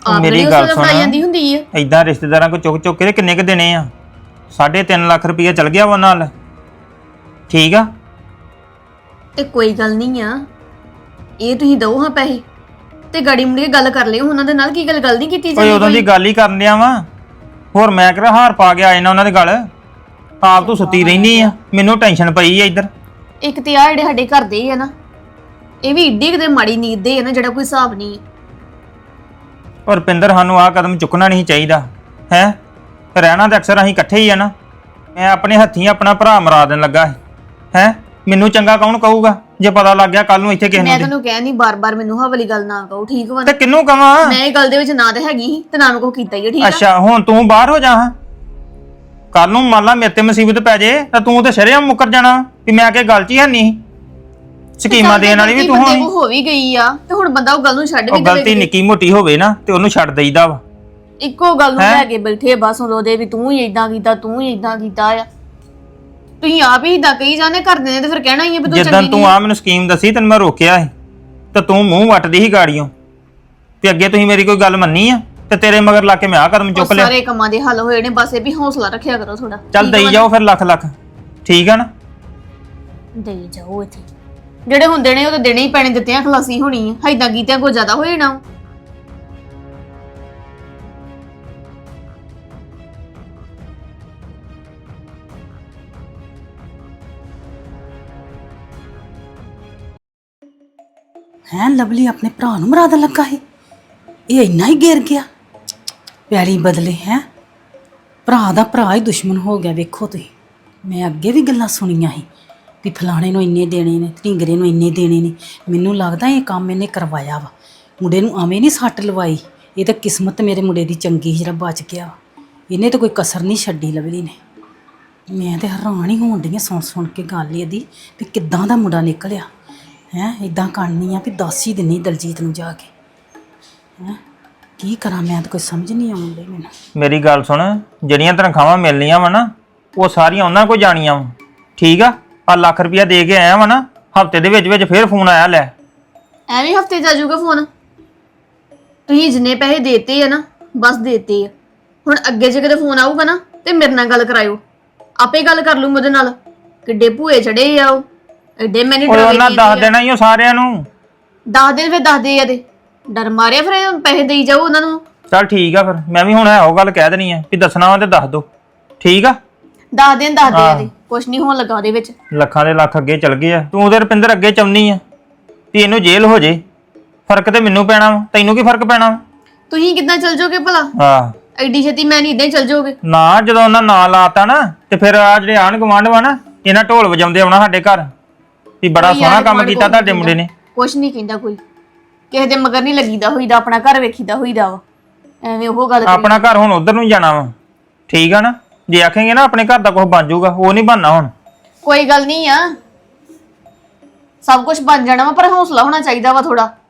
ਆਪ ਮੇਰੀ ਮੇਰੀ ਗੱਲ ਗੱਲ ਸੁਣ। ਜਾਂਦੀ ਹੁੰਦੀ ਆ। ਐਦਾਂ ਰਿਸ਼ਤੇਦਾਰਾਂ ਕੋ ਚੁੱਕ ਚੁੱਕ ਕੇ ਤੇ ਕਿੰਨੇ ਕ ਦੇਣੇ ਆ 3.5 ਲੱਖ ਰੁਪਈਆ ਚਲ ਗਿਆ ਵਾ ਉਹਨਾਂ ਨਾਲ। ਠੀਕ ਆ ਤੇ ਕੋਈ ਗੱਲ ਨਹੀਂ ਆ, ਇਹ ਤੁਸੀਂ ਦਓ ਹਾਂ ਪੈਸੇ ਤੇ ਗਾੜੀ ਮੁੜੀ ਗੱਲ ਕਰ ਲਿਓ ਉਹਨਾਂ ਦੇ ਨਾਲ। ਕੀ ਗੱਲ ਨਹੀਂ ਕੀਤੀ ਓਏ ਜਾਂਦੀ ਉਦੋਂ ਦੀ ਕੋਈ। ਗੱਲ ਹੀ ਕਰਨ ਡਿਆ ਵਾ। ਹੋਰ ਮੈਂ ਕਿਹੜਾ ਹਾਰ ਪਾ ਕੇ ਆਏ ਨਾ ਉਹਨਾਂ ਦੇ ਗੱਲ। ਆਪ ਤੂੰ ਸੁੱਤੀ ਰਹਿਨੀ ਆ, ਮੈਨੂੰ ਟੈਨਸ਼ਨ ਪਈ ਆ ਇੱਧਰ। ਇੱਕ ਤੇ ਆ ਜਿਹੜੇ ਸਾਡੇ ਘਰ ਦੇ ਆ ਨਾ, ਇਹ ਵੀ ਏਡੀ ਕਿਤੇ ਮਾੜੀ ਨੀਂਦ ਦੇ ਆ ਨਾ ਜਿਹੜਾ ਕੋਈ ਹਿਸਾਬ ਨਹੀਂ। ਔਰ ਰੁਪਿੰਦਰ ਸਾਨੂੰ ਆਹ ਕਦਮ ਚੁੱਕਣਾ ਨਹੀਂ ਚਾਹੀਦਾ ਹੈ। ਰਹਿਣਾ ਤਾਂ ਅਕਸਰ ਅਸੀਂ ਇਕੱਠੇ ਹੀ ਆ ਨਾ। ਮੈਂ ਆਪਣੇ ਹੱਥੀਂ ਆਪਣਾ ਭਰਾ ਮਰਾ ਦੇਣ ਲੱਗਾ ਹੈ। ਮੈਨੂੰ ਚੰਗਾ ਕੌਣ ਕਹੂਗਾ ਜੇ ਪਤਾ ਲੱਗ ਗਿਆ ਕੱਲ ਨੂੰ ਇੱਥੇ ਕਿਸੇ ਮੈਂ ਨੂੰ। ਤੈਨੂੰ ਕਹਿ ਨਹੀਂ ਬਾਰ-ਬਾਰ ਮੈਨੂੰ ਆਹ ਵਾਲੀ ਗੱਲ ਨਾ ਕਹੋ, ਠੀਕ ਵਾ ਨਾ? ਤੇ ਕਿਹਨੂੰ ਕਵਾਂ? ਮੈਂ ਇਹ ਗੱਲ ਦੇ ਵਿੱਚ ਨਾ ਤੇ ਹੈਗੀ ਸੀ ਤੇ ਨਾ ਮੈਂ ਕੋ ਕੀਤਾ ਹੀ ਆ, ਠੀਕ ਆ? ਅੱਛਾ ਹੁਣ ਤੂੰ ਬਾਹਰ ਹੋ ਜਾ ਹਾਂ। ਕੱਲ ਨੂੰ ਮੰਨ ਲਾ ਮੇਰੇ ਤੇ ਮੁਸੀਬਤ ਪੈ ਜੇ ਤਾਂ ਤੂੰ ਤੇ ਸ਼ਰੇਆਮ ਮੁੱਕਰ ਜਾਣਾ ਵੀ ਮੈਂ ਕਿ ਗੱਲ 'ਚ ਹੀ ਹੈ ਨਹੀਂ। ਸਕੀਮਾਂ ਦੇਣ ਵਾਲੀ ਵੀ ਤੂੰ ਬੰਦੇ ਹੋਣੀ। ਕੋ ਹੋ ਵੀ ਗਈ ਆ ਤੇ ਹੁਣ ਬੰਦਾ ਉਹ ਗੱਲ ਨੂੰ ਛੱਡ ਉਹ ਵੀ ਗਲਤੀ ਦੇਵੇ। ਨਿੱਕੀ ਮੋਟੀ ਹੋਵੇ ਨਾ ਤੇ ਉਹਨੂੰ ਛੱਡ ਦੇਈਦਾ ਵਾ। ਇੱਕੋ ਗੱਲ ਨੂੰ ਹੈਂ? ਲੈ ਕੇ ਬੈਠੇ ਬਸ ਉਹਦੇ ਵੀ ਤੂੰ ਹੀ ਇਦਾਂ ਕੀਤਾ, ਤੂੰ ਹੀ ਇਦਾਂ ਕੀਤਾ ਆ। ਤੁਸੀਂ ਆਪ ਹੀ ਇਦਾਂ ਕਹੀ ਜਾਂਦੇ, ਕਰਦੇ ਨੇ ਤੇ ਫਿਰ ਕਹਿਣਾ ਹੀ ਆ ਵੀ ਤੂੰ ਜਿੱਦਾਂ ਚੰਗੀ ਤੂੰ ਨਹੀਂ। ਆ ਮੈਨੂੰ ਸਕੀਮ ਦੱਸੀ ਤੈਨੂੰ ਮੈਂ ਰੋਕਿਆ ਸੀ ਤੇ ਤੂੰ ਮੂੰਹ ਵੱਟਦੀ ਸੀ ਗਾੜੀਆਂ ਤੇ ਅੱਗੇ ਤੁਸੀਂ ਮੇਰੀ ਕੋਈ ਗੱਲ ਮੰਨੀ ਆ ਤੇ ਤੇਰੇ ਮਗਰ ਲਾ ਕੇ ਮੈਂ ਆ ਕਦਮ ਉਹ ਚੁੱਕ ਲਿਆ। ਸਾਰੇ ਕੰਮਾਂ ਦੇ ਹੱਲ ਹੋਏ ਨੇ, ਬਸ ਇਹ ਵੀ ਹੌਸਲਾ ਰੱਖਿਆ ਕਰੋ ਥੋੜਾ। ਚੱਲ ਦੇਈ ਜਾਓ ਫਿਰ ਲੱਖ ਲੱਖ। ਠੀਕ ਆ ਨਾ? ਦੇਈ ਜਾਓ ਇੱਥੇ ਜਿਹੜੇ ਹੁੰਦੇ ਨੇ ਉਹ ਤਾਂ ਦੇਣੇ ਹੀ ਪੈਣੇ, ਦਿੱਤਿਆਂ ਖਲਾਸੀ ਹੋਣੀ ਆ। ਏਦਾਂ ਕੀਤਿਆਂ ਕੋਈ ਜ਼ਿਆਦਾ ਹੋ ਜਾਣਾ। ਹੈ ਲਵਲੀ ਆਪਣੇ ਭਰਾ ਨੂੰ ਮਰਾ ਦੇਣ ਲੱਗਾ ਸੀ। ਇਹ ਇੰਨਾ ਹੀ ਗਿਰ ਗਿਆ ਪਿਆਰੀ ਬਦਲੇ ਹੈ। ਭਰਾ ਦਾ ਭਰਾ ਹੀ ਦੁਸ਼ਮਣ ਹੋ ਗਿਆ। ਵੇਖੋ ਤੁਸੀਂ, ਮੈਂ ਅੱਗੇ ਵੀ ਗੱਲਾਂ ਸੁਣੀਆਂ ਸੀ ਵੀ ਫਲਾਣੇ ਨੂੰ ਇੰਨੇ ਦੇਣੇ ਨੇ, ਢਿੰਗਰੇ ਨੂੰ ਇੰਨੇ ਦੇਣੇ ਨੇ। ਮੈਨੂੰ ਲੱਗਦਾ ਇਹ ਕੰਮ ਇਹਨੇ ਕਰਵਾਇਆ ਵਾ। ਮੁੰਡੇ ਨੂੰ ਐਵੇਂ ਨਹੀਂ ਸੱਟ ਲਵਾਈ। ਇਹ ਤਾਂ ਕਿਸਮਤ ਮੇਰੇ ਮੁੰਡੇ ਦੀ ਚੰਗੀ ਸੀ ਜਿਹੜਾ ਬਚ ਗਿਆ। ਇਹਨੇ ਤਾਂ ਕੋਈ ਕਸਰ ਨਹੀਂ ਛੱਡੀ ਲਵਲੀ ਨੇ। ਮੈਂ ਤਾਂ ਹੈਰਾਨ ਹੀ ਹੋਣ ਡਈ ਸੁਣ ਸੁਣ ਕੇ ਗੱਲ ਇਹਦੀ ਵੀ ਕਿੱਦਾਂ ਦਾ ਮੁੰਡਾ ਨਿਕਲਿਆ ਹੈ। ਇਦਾਂ ਕਰਨੀ ਆ ਵੀ ਦੱਸ ਹੀ ਦਿੰਨੀ ਦਲਜੀਤ ਨੂੰ ਜਾ ਕੇ। ਹੈ ਕੀ ਕਰਾਂ ਮੈਂ ਤਾਂ ਕੋਈ ਸਮਝ ਨਹੀਂ ਆਉਂਦੀ ਮੈਨੂੰ। ਮੇਰੀ ਗੱਲ ਸੁਣ, ਜਿਹੜੀਆਂ ਤਨਖਾਹਾਂ ਮਿਲਣੀਆਂ ਵਾ ਨਾ ਉਹ ਸਾਰੀਆਂ ਉਹਨਾਂ ਕੋਲ ਜਾਣੀਆਂ ਵਾ। ਠੀਕ ਆ? ਆ ਲੱਖ ਰੁਪਇਆ ਦੇ ਕੇ ਆਇਆ ਵਾ ਨਾ, ਹਫਤੇ ਦੇ ਵਿੱਚ ਫੇਰ ਫੋਨ ਆਇਆ ਲੈ। ਐਵੇਂ ਹਫਤੇ ਚ ਆ ਜਾਊਗਾ ਫੋਨ? ਤੁਸੀਂ ਜਿੰਨੇ ਪੈਸੇ ਦੇਤੇ ਆ ਨਾ ਬਸ ਦੇਤੇ ਆ। ਹੁਣ ਅੱਗੇ ਜੇ ਕਿਤੇ ਫੋਨ ਆਊਗਾ ਨਾ ਤੇ ਮੇਰੇ ਨਾਲ ਗੱਲ ਕਰਾਇਓ, ਆਪੇ ਗੱਲ ਕਰ ਲੂ ਉਹਦੇ ਨਾਲ। ਕਿੱਡੇ ਭੂਏ ਚੜੇ ਆ ਉਹ, ਐਡੇ ਮੈਨੇ ਓਏ ਉਹਨਾਂ ਦੱਸ ਦੇਣਾ ਹੀ ਉਹ ਸਾਰਿਆਂ ਨੂੰ। 10 ਦਿਨ ਫਿਰ ਦੱਸਦੇ ਆ ਤੇ ਡਰ ਮਾਰਿਆ ਫਿਰ ਪੈਸੇ ਦੇਈ ਜਾਓ ਉਹਨਾਂ ਨੂੰ। ਚੱਲ ਠੀਕ ਆ ਫਿਰ ਮੈਂ ਵੀ ਹੁਣ ਉਹ ਗੱਲ ਕਹਿ ਦੇਣੀ ਆ ਵੀ ਦੱਸਣਾ ਵਾ ਤੇ ਦੱਸ ਦੋ। ਠੀਕ ਆ? 10 ਦਿਨ ਦੱਸਦੇ ਆ ਤੇ ਕੁਛ ਨਹੀਂ ਹੋਣ ਲੱਗਾ ਉਹਦੇ ਵਿੱਚ। ਲੱਖਾਂ ਦੇ ਲੱਖ ਅੱਗੇ ਚਲ ਗਏ ਆ। ਤੂੰ ਤੇ ਰੁਪਿੰਦਰ ਅੱਗੇ ਚਾਹੁੰਦੀ ਆ ਵੀ ਇਹਨੂੰ ਜੇਲ੍ਹ ਹੋ ਜੇ। ਫਰਕ ਤੇ ਮੈਨੂੰ ਪੈਣਾ ਵਾ, ਤੈਨੂੰ ਕੀ ਫਰਕ ਪੈਣਾ ਵਾ? ਤੁਸੀਂ ਕਿੱਦਾਂ ਚੱਲ ਜਾਓਗੇ ਭਲਾ? ਹਾਂ ਐਡੀ ਛੇਤੀ ਮੈਂ ਨਹੀਂ ਇਦਾਂ ਹੀ ਚੱਲ ਜਾਓਗੇ। ਨਾ, ਜਦੋਂ ਉਹਨਾਂ ਨਾਂ ਲਾਤਾ ਨਾ ਤੇ ਫਿਰ ਆ ਜਿਹੜੇ ਆਣ ਗਵਾਂਢ ਵਾ ਨਾ ਇਹਨਾਂ ਢੋਲ ਵਜਾਉਂਦੇ ਆਉਣਾ ਸਾਡੇ ਘਰ ਵੀ ਬੜਾ ਸੋਹਣਾ ਕੰਮ ਕੀਤਾ ਤੁਹਾਡੇ ਮੁੰਡੇ ਨੇ। ਕੁਛ ਨਹੀਂ ਕਹਿੰਦਾ ਕੋਈ, ਕਿਸੇ ਦੇ ਮਗਰ ਨਹੀਂ ਲੱਗੀਦਾ ਹੋਈਦਾ, ਆਪਣਾ ਘਰ ਵੇਖੀਦਾ ਹੋਈਦਾ ਵਾ। ਐਵੇਂ ਉਹ ਗੱਲ ਆਪਣਾ ਘਰ ਹੁਣ ਉਧਰ ਨੂੰ ਜਾਣਾ ਵਾ। ਠੀਕ ਆ ਨਾ? ਜੇ ਆਖੇਂਗੇ ਨਾ ਆਪਣੇ ਘਰ ਦਾ ਕੁਝ ਬਣ ਜਾਊਗਾ, ਉਹ ਨਹੀਂ ਬਣਨਾ ਹੁਣ। ਕੋਈ ਗੱਲ ਨਹੀਂ ਆ, ਸਭ ਕੁਝ ਬਣ ਜਾਣਾ ਵਾ, ਪਰ ਹੌਸਲਾ ਹੋਣਾ ਚਾਹੀਦਾ ਵਾ ਥੋੜਾ।